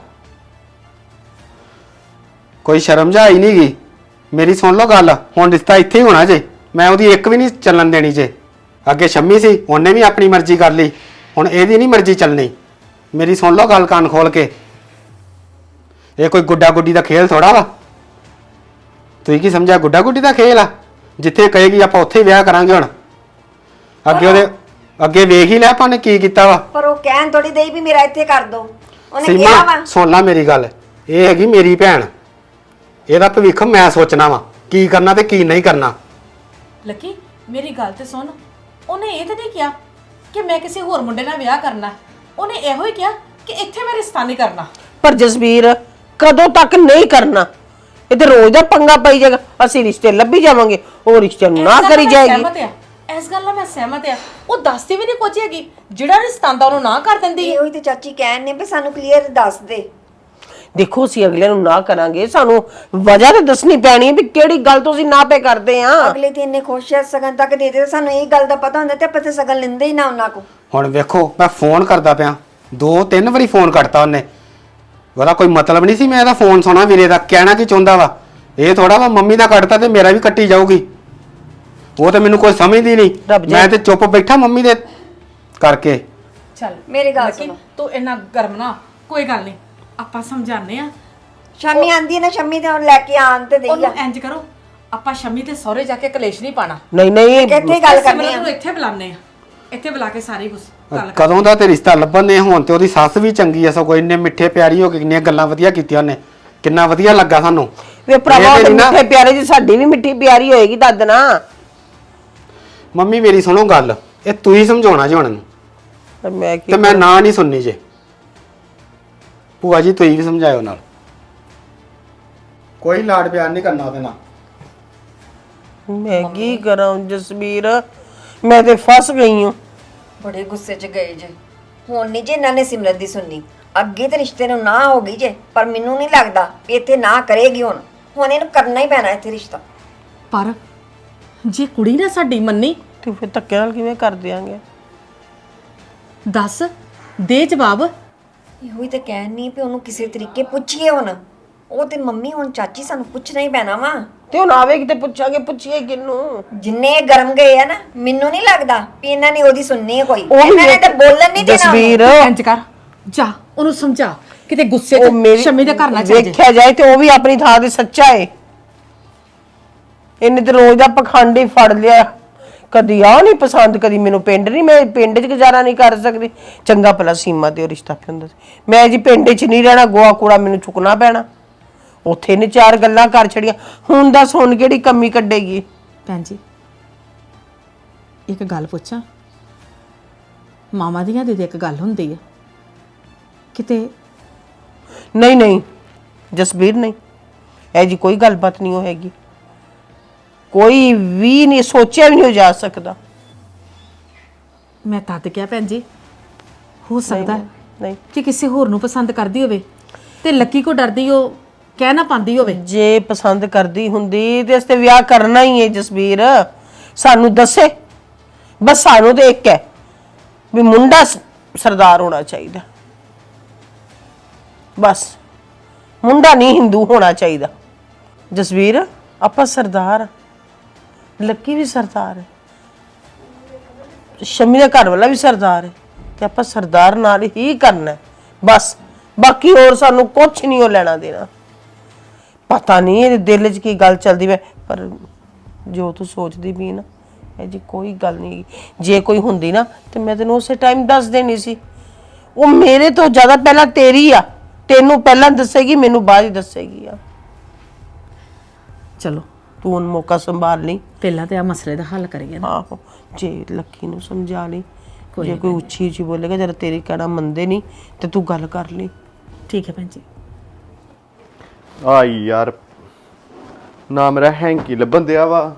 ਕੋਈ ਸ਼ਰਮ ਜਾ ਹੀ ਨਹੀਂ ਗਈ। ਮੇਰੀ ਸੁਣ ਲਓ ਗੱਲ, ਹੁਣ ਰਿਸ਼ਤਾ ਇੱਥੇ ਹੀ ਹੋਣਾ ਜੇ, ਮੈਂ ਉਹਦੀ ਇੱਕ ਵੀ ਨਹੀਂ ਚੱਲਣ ਦੇਣੀ ਜੇ। ਅੱਗੇ ਸ਼ੰਮੀ ਸੀ, ਉਹਨੇ ਵੀ ਆਪਣੀ ਮਰਜ਼ੀ ਕਰ ਲਈ, ਹੁਣ ਇਹਦੀ ਨਹੀਂ ਮਰਜ਼ੀ ਚੱਲਣੀ। ਮੇਰੀ ਸੁਣ ਲਓ ਗੱਲ ਕੰਨ ਖੋਲ ਕੇ, ਇਹ ਕੋਈ ਗੁੱਡਾ ਗੁੱਡੀ ਦਾ ਖੇਲ ਥੋੜਾ ਵਾ। ਤੁਸੀਂ ਕੀ ਸਮਝਿਆ ਗੁੱਡਾ ਗੁੱਡੀ ਦਾ ਖੇਲ ਆ? ਜਿੱਥੇ ਕਹੇਗੀ ਆਪਾਂ ਉੱਥੇ ਹੀ ਵਿਆਹ ਕਰਾਂਗੇ। ਹੁਣ ਅੱਗੇ ਵੇਖ ਹੀ ਲੈ ਆਪਾਂ ਨੇ ਕੀ ਕੀਤਾ ਵਾ। ਪਰ ਉਹ ਕਹਿਣ ਥੋੜੀ ਦੇਈ ਵੀ ਮੇਰਾ ਇੱਥੇ ਕਰ ਦੋ, ਉਹਨੇ ਕਿਹਾ ਵਾ। ਸੀਮਾ ਸੁਣ ਲੈ ਮੇਰੀ ਗੱਲ, ਇਹ ਹੈਗੀ ਮੇਰੀ ਭੈਣ, ਇਹਦਾ ਭਵਿੱਖ ਮੈਂ ਸੋਚਣਾ ਵਾ, ਕੀ ਕਰਨਾ ਤੇ ਕੀ ਨਹੀਂ ਕਰਨਾ। ਲੱਕੀ ਮੇਰੀ ਗੱਲ ਤੇ ਸੁਣ, ਉਹਨੇ ਇਹ ਤਾਂ ਨਹੀਂ ਕਿਹਾ ਕਿ ਮੈਂ ਕਿਸੇ ਹੋਰ ਮੁੰਡੇ ਨਾਲ ਵਿਆਹ ਕਰਨਾ, ਉਹਨੇ ਇਹੋ ਹੀ ਕਿਹਾ ਕਿ ਇੱਥੇ ਮੈਂ ਰਿਸ਼ਤਾ ਨਹੀਂ ਕਰਨਾ। ਪਰ ਜਸਵੀਰ ਕਦੋਂ ਤੱਕ ਨਹੀਂ ਕਰਨਾ? ਇਹ ਤੇ ਰੋਜ਼ ਦਾ ਪੰਗਾ ਪਈ ਜਾਏਗਾ, ਅਸੀਂ ਰਿਸ਼ਤੇ ਲੱਭੀ ਜਾਵਾਂਗੇ, ਉਹ ਰਿਸ਼ਤੇ ਨੂੰ ਨਾ ਕਰੀ ਜਾਏਗੀ। ਇਸ ਗੱਲ ਨਾਲ ਮੈਂ ਸਹਿਮਤ ਆ, ਉਹ ਦੱਸਦੀ ਵੀ ਨਹੀਂ ਕੁਝ ਹੈਗੀ, ਜਿਹੜਾ ਰਿਸ਼ਤਾ ਆਂਦਾ ਉਹਨੂੰ ਨਾ ਕਰ ਦਿੰਦੀ ਹੈ। ਇਹੋ ਹੀ ਤੇ ਚਾਚੀ ਕਹਿਣ ਨੇ ਵੀ ਸਾਨੂੰ ਕਲੀਅਰ ਦੱਸ ਦੇ। ਦੇਖੋ ਅਸੀਂ ਅਗਲੇ ਨੂੰ ਨਾ ਕਰਾਂਗੇ, ਸਾਨੂੰ ਵਜ੍ਹਾ ਤਾਂ ਦੱਸਣੀ ਪੈਣੀ ਹੈ ਵੀ ਕਿਹੜੀ ਗੱਲ ਤੋਂ ਅਸੀਂ ਨਾ ਪੇ ਕਰਦੇ ਆ। ਅਗਲੇ ਤੇ ਇੰਨੇ ਖੁਸ਼ ਐ, ਸਗਨ ਤੱਕ ਦੇ ਦੇ, ਸਾਨੂੰ ਇਹ ਗੱਲ ਦਾ ਪਤਾ ਹੁੰਦਾ ਤੇ ਆਪਾਂ ਤੇ ਸਗਨ ਲੈਂਦੇ ਹੀ ਨਾ ਉਹਨਾਂ ਕੋ। ਹੁਣ ਵੇਖੋ ਮੈਂ ਫੋਨ ਕਰਦਾ ਪਿਆ, 2-3 ਵਾਰੀ ਫੋਨ ਕੱਟਤਾ ਉਹਨੇ, ਉਹਦਾ ਕੋਈ ਮਤਲਬ ਨਹੀਂ ਸੀ ਮੈਂ ਇਹਦਾ ਫੋਨ ਸੁਣਾ ਵੀਰੇ ਦਾ, ਕਹਿਣਾ ਕੀ ਚਾਹੁੰਦਾ ਵਾ। ਇਹ ਥੋੜਾ ਵਾ ਮੰਮੀ ਦਾ ਕੱਟਤਾ ਤੇ ਮੇਰਾ ਵੀ ਕੱਟੀ ਜਾਊਗੀ, ਉਹ ਤੇ ਮੈਨੂੰ ਕੋਈ ਸਮਝਦੀ ਨਹੀਂ, ਮੈਂ ਤੇ ਚੁੱਪ ਬੈਠਾ ਮੰਮੀ ਦੇ ਕਰਕੇ। ਚੱਲ ਮੇਰੀ ਗੱਲ ਲੱਕੀ, ਸੁਣੋ। ਤੂੰ ਇੰਨਾ ਗਰਮ ਨਾ, ਕੋਈ ਗੱਲ ਨਹੀਂ, ਆਪਾਂ ਸਮਝਾਉਂਦੇ ਆ। ਸ਼ਾਮੀ ਆਂਦੀ ਹੈ ਨਾ, ਸ਼ਾਮੀ ਤੇ ਲੈ ਕੇ ਆਣ ਤੇ ਦੇਈ ਉਹਨੂੰ ਇੰਜ ਕਰੋ, ਆਪਾਂ ਸ਼ਮੀ ਤੇ ਸਹੁਰੇ ਜਾ ਕੇ ਕਲੇਸ਼ ਨਹੀਂ ਪਾਣਾ, ਨਹੀਂ ਨਹੀਂ ਕਿੱਥੇ ਗੱਲ ਕਰਨੀ ਸਿਮਰਨ ਆ। ਨੂੰ ਇੱਥੇ ਬੁਲਾਉਂਦੇ ਆ, ਇੱਥੇ ਬੁਲਾ ਕੇ ਸਾਰੀ ਕੁਝ ਗੱਲ ਕਦੋਂ ਦਾ ਤੇ ਰਿਸ਼ਤਾ ਲੱਭਣ ਦੇ, ਹੁਣ ਤੇ ਉਹਦੀ ਸੱਸ ਵੀ ਚੰਗੀ ਐ, ਸਗੋਂ ਇੰਨੇ ਮਿੱਠੇ ਪਿਆਰੀ ਹੋ ਕੇ ਕਿੰਨੀਆਂ ਗੱਲਾਂ ਵਧੀਆ ਕੀਤੀਆਂ ਉਹਨੇ, ਕਿੰਨਾ ਵਧੀਆ ਲੱਗਾ ਸਾਨੂੰ। ਵੇ ਭਰਾਵਾ ਇਹ ਤੇ ਤੇ ਨਾ- ਮਿੱਠੇ ਪਿਆਰੇ ਜੀ, ਸਾਡੀ ਵੀ ਮਿੱਠੀ ਪਿਆਰੀ ਹੋਏਗੀ ਦੱਦ ਨਾ। ਮੰਮੀ ਮੇਰੀ ਸੁਣੋ ਗੱਲ, ਇਹ ਤੂੰ ਹੀ ਸਮਝਾਉਣਾ ਜੀ ਹੁਣ ਨੂੰ, ਮੈਂ ਕੀ ਤੇ ਮੈਂ ਨਾ ਨਹੀਂ ਸੁਣਨੀ ਜੇ। ਭੂਆ ਜੀ ਤੁਸੀਂ ਵੀ ਸਮਝਾਇਓ ਨਾਲ, ਕੋਈ ਲਾਡ ਪਿਆਰ ਨਹੀਂ ਕਰਨਾ ਉਹਦੇ ਨਾਲ। ਮੈਂ ਕੀ ਕਰਾਂ ਜਸਵੀਰ, ਮੈਂ ਤੇ ਫਸ ਗਈ ਹਾਂ। ਬੜੇ ਗੁੱਸੇ 'ਚ ਗਏ ਜੇ। ਹੁਣ ਨਹੀਂ ਜੇ ਇਹਨਾਂ ਨੇ ਸਿਮਰਤ ਦੀ ਸੁਣਨੀ, ਅੱਗੇ ਤੇ ਰਿਸ਼ਤੇ ਨੂੰ ਨਾ ਹੋ ਗਈ ਜੇ, ਪਰ ਮੈਨੂੰ ਨਹੀਂ ਲੱਗਦਾ ਵੀ ਇੱਥੇ ਨਾ ਕਰੇਗੀ। ਹੁਣ ਇਹਨੂੰ ਕਰਨਾ ਹੀ ਪੈਣਾ ਇੱਥੇ ਰਿਸ਼ਤਾ। ਪਰ ਜੇ ਕੁੜੀ ਨਾ ਸਾਡੀ ਮੰਨੀ, ਤੇ ਫਿਰ ਧੱਕੇ ਨਾਲ ਕਿਵੇਂ ਕਰ ਦਿਆਂਗੇ? ਦੱਸ ਦੇ ਜਵਾਬ। ਇਹੋ ਹੀ ਤਾਂ ਕਹਿਣ ਨਹੀਂ ਵੀ ਉਹਨੂੰ ਕਿਸੇ ਤਰੀਕੇ ਪੁੱਛੀਏ। ਹੁਣ ਉਹ ਤੇ ਮੰਮੀ, ਹੁਣ ਚਾਚੀ ਸਾਨੂੰ ਪੁੱਛਣਾ ਹੀ ਪੈਣਾ ਵਾ। ਤੇ ਹੁਣ ਆਵੇਗੀ ਤੇ ਪੁੱਛਾਂਗੇ, ਪੁੱਛੀਏ ਕਿਹਨੂੰ? ਜਿੰਨੇ ਇਹ ਗਰਮ ਗਏ ਆ ਨਾ, ਮੈਨੂੰ ਨਹੀਂ ਲੱਗਦਾ ਵੀ ਇਹਨਾਂ ਨੇ ਉਹਦੀ ਸੁਣਨੀ ਹੈ ਕੋਈ। ਉਹ ਵੀ ਇਹਨਾਂ ਨੇ ਤਾਂ ਬੋਲਣ ਨਹੀਂ ਦੇਣਾ ਉਹਨੂੰ। ਜਸਵੀਰ ਇੰਜ ਕਰ, ਜਾ ਉਹਨੂੰ ਸਮਝਾ ਕਿਤੇ ਗੁੱਸੇ ਉਹ 'ਚ ਮੇਰੀ ਸ਼ਮੀ ਦੇ ਘਰ ਨਾ ਚੱਲ ਜੇ। ਵੇਖਿਆ ਜਾਏ ਤੇ ਉਹ ਵੀ ਆਪਣੀ ਥਾਂ ਤੇ ਸੱਚਾ ਏ। ਇਹਨੇ ਤੇ ਰੋਜ਼ ਦਾ ਪਖੰਡ ਹੀ ਫੜ ਲਿਆ। ਕਦੀ ਆ ਨਹੀਂ ਪਸੰਦ, ਕਦੀ ਮੈਨੂੰ ਪਿੰਡ ਨਹੀਂ, ਮੈਂ ਪਿੰਡ 'ਚ ਗੁਜ਼ਾਰਾ ਨਹੀਂ ਕਰ ਸਕਦੀ। ਚੰਗਾ ਭਲਾ ਸੀਮਾ ਤੇ ਉਹ ਰਿਸ਼ਤਾ ਕੀ ਹੁੰਦਾ ਸੀ। ਮੈਂ ਜੀ ਪਿੰਡ 'ਚ ਨਹੀਂ ਰਹਿਣਾ, ਗੋਹਾ ਕੂੜਾ ਮੈਨੂੰ ਚੁੱਕਣਾ ਪੈਣਾ। ਉੱਥੇ ਨੇ 4 ਗੱਲਾਂ ਕਰ ਛੜੀਆਂ। ਹੁਣ ਦੱਸ ਹੁਣ ਕਿਹੜੀ ਕਮੀ ਕੱਢੇਗੀ? ਭੈਣ ਜੀ ਇੱਕ ਗੱਲ ਪੁੱਛਾਂ, ਮਾਮਾ ਦੀਆਂ ਦੀ ਇੱਕ ਗੱਲ ਹੁੰਦੀ ਹੈ ਕਿਤੇ ਨਹੀਂ ਨਹੀਂ ਜਸਬੀਰ, ਨਹੀਂ ਇਹ ਜੀ ਕੋਈ ਗੱਲਬਾਤ ਨਹੀਂ ਹੋਏਗੀ। ਕੋਈ ਵੀ ਨਹੀਂ ਸੋਚਿਆ ਵੀ ਨਹੀਂ ਜਾ ਸਕਦਾ। ਮੈਂ ਤਦ ਕਿਹਾ ਭੈਣ ਜੀ ਹੋ ਸਕਦਾ ਨਹੀਂ ਕਿ ਕਿਸੇ ਹੋਰ ਨੂੰ ਪਸੰਦ ਕਰਦੀ ਹੋਵੇ ਤੇ ਲੱਕੀ ਕੋ ਡਰਦੀ ਉਹ ਕਹਿ ਨਾ ਪਾਉਂਦੀ ਹੋਵੇ। ਜੇ ਪਸੰਦ ਕਰਦੀ ਹੁੰਦੀ ਤੇ ਅਸਤੇ ਵਿਆਹ ਕਰਨਾ ਹੀ ਹੈ ਜਸਬੀਰ। ਸਾਨੂੰ ਦੱਸੇ ਬਸ, ਸਾਨੂੰ ਤੇ ਇੱਕ ਹੈ ਵੀ ਮੁੰਡਾ ਸਰਦਾਰ ਹੋਣਾ ਚਾਹੀਦਾ, ਬਸ ਮੁੰਡਾ ਨਹੀਂ ਹਿੰਦੂ ਹੋਣਾ ਚਾਹੀਦਾ। ਜਸਬੀਰ ਆਪਾਂ ਸਰਦਾਰ, ਲੱਕੀ ਵੀ ਸਰਦਾਰ ਹੈ, ਸ਼ਮੀ ਦਾ ਘਰ ਵਾਲਾ ਵੀ ਸਰਦਾਰ ਹੈ ਤੇ ਆਪਾਂ ਸਰਦਾਰ ਨਾਲ ਹੀ ਕਰਨਾ ਹੈ ਬਸ। ਬਾਕੀ ਹੋਰ ਸਾਨੂੰ ਕੁਝ ਨਹੀਂ ਉਹ ਲੈਣਾ ਦੇਣਾ। ਪਤਾ ਨਹੀਂ ਇਹਦੇ ਦਿਲ 'ਚ ਕੀ ਗੱਲ ਚੱਲਦੀ ਵੇ, ਪਰ ਜੋ ਤੂੰ ਸੋਚਦੀ ਵੀ ਨਾ ਇਹ ਜੀ ਕੋਈ ਗੱਲ ਨਹੀਂ। ਜੇ ਕੋਈ ਹੁੰਦੀ ਨਾ ਤੇ ਮੈਂ ਤੈਨੂੰ ਉਸੇ ਟਾਈਮ ਦੱਸ ਦੇਣੀ ਸੀ। ਉਹ ਮੇਰੇ ਤੋਂ ਜ਼ਿਆਦਾ ਪਹਿਲਾਂ ਤੇਰੀ ਆ, ਤੈਨੂੰ ਪਹਿਲਾਂ ਦੱਸੇਗੀ, ਮੈਨੂੰ ਬਾਅਦ ਹੀ ਦੱਸੇਗੀ ਆ। ਚਲੋ ਤੂੰ ਹੁਣ ਮੌਕਾ ਸੰਭਾਲ ਲਈ। ਪਹਿਲਾਂ ਤੇ ਆ ਮਸਲੇ ਦਾ ਹੱਲ ਕਰੀਏ ਨਾ। ਆਹੋ, ਜੇ ਲੱਕੀ ਨੂੰ ਸਮਝਾ ਲਈ, ਜੇ ਕੋਈ ਉੱਚੀ ਉੱਚੀ ਬੋਲੇਗਾ ਜਦ ਤੇਰੀ ਕਹਿਣਾ ਮੰਨਦੇ ਨਹੀਂ ਤੇ ਤੂੰ ਗੱਲ ਕਰ ਲਈ। ਠੀਕ ਹੈ ਭੈਣ ਜੀ। ਆਈ ਯਾਰ ਨਾ ਮੇਰਾ ਹੈਂਕੀ ਲੱਭਣ ਦਿਆ ਵਾ।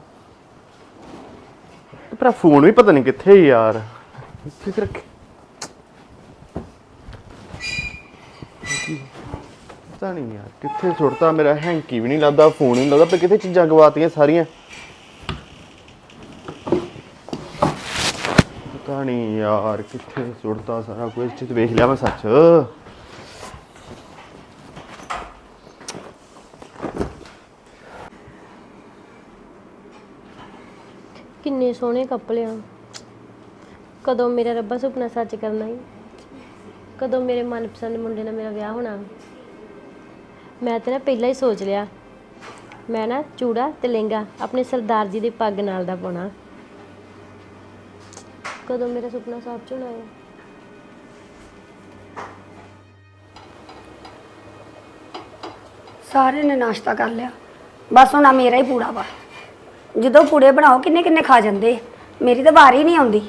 ਪਰ ਫੋਨ ਵੀ ਪਤਾ ਨਹੀਂ ਕਿੱਥੇ ਯਾਰ, ਇੱਥੇ ਰੱਖ ਪਤਾ ਨਹੀਂ ਯਾਰ ਕਿੱਥੇ ਸੁੱਟਤਾ। ਮੇਰਾ ਹੈਂਕੀ ਵੀ ਨਹੀਂ ਲੱਭਦਾ, ਫੋਨ ਨਹੀਂ ਲੱਭਦਾ, ਪਰ ਕਿੱਥੇ ਚੀਜ਼ਾਂ ਗਵਾਤੀਆਂ ਸਾਰੀਆਂ। ਪਤਾ ਨਹੀਂ ਯਾਰ ਕਿੱਥੇ ਸੁੱਟਤਾ ਸਾਰਾ ਕੁਝ। ਇੱਥੇ ਵੇਖ ਲਿਆ ਮੈਂ ਸੱਚ। ਕਿੰਨੇ ਸੋਹਣੇ ਕੱਪੜੇ ਆ। ਕਦੋਂ ਮੇਰਾ ਰੱਬਾ ਸੁਪਨਾ ਸੱਚ ਕਰਨਾ ਹੀ, ਕਦੋਂ ਮੇਰੇ ਮਨਪਸੰਦ ਮੁੰਡੇ ਨਾਲ ਮੇਰਾ ਵਿਆਹ ਹੋਣਾ। ਮੈਂ ਤੇ ਨਾ ਪਹਿਲਾਂ ਹੀ ਸੋਚ ਲਿਆ, ਮੈਂ ਨਾ ਚੂੜਾ ਤੇ ਲਹਿੰਗਾ ਆਪਣੇ ਸਰਦਾਰ ਜੀ ਦੀ ਪੱਗ ਨਾਲ ਦਾ ਪਾਉਣਾ। ਕਦੋਂ ਮੇਰਾ ਸੁਪਨਾ ਸੱਚ ਹੋਣਾ ਹੈ। ਸਾਰੇ ਨੇ ਨਾਸ਼ਤਾ ਕਰ ਲਿਆ, ਬਸ ਹੁਣ ਮੇਰਾ ਹੀ ਪੂੜਾ ਵਾ। ਜਦੋਂ ਪੂੜੇ ਬਣਾਓ ਕਿੰਨੇ ਕਿੰਨੇ ਖਾ ਜਾਂਦੇ, ਮੇਰੀ ਤਾਂ ਵਾਰੀ ਨਹੀਂ ਆਉਂਦੀ।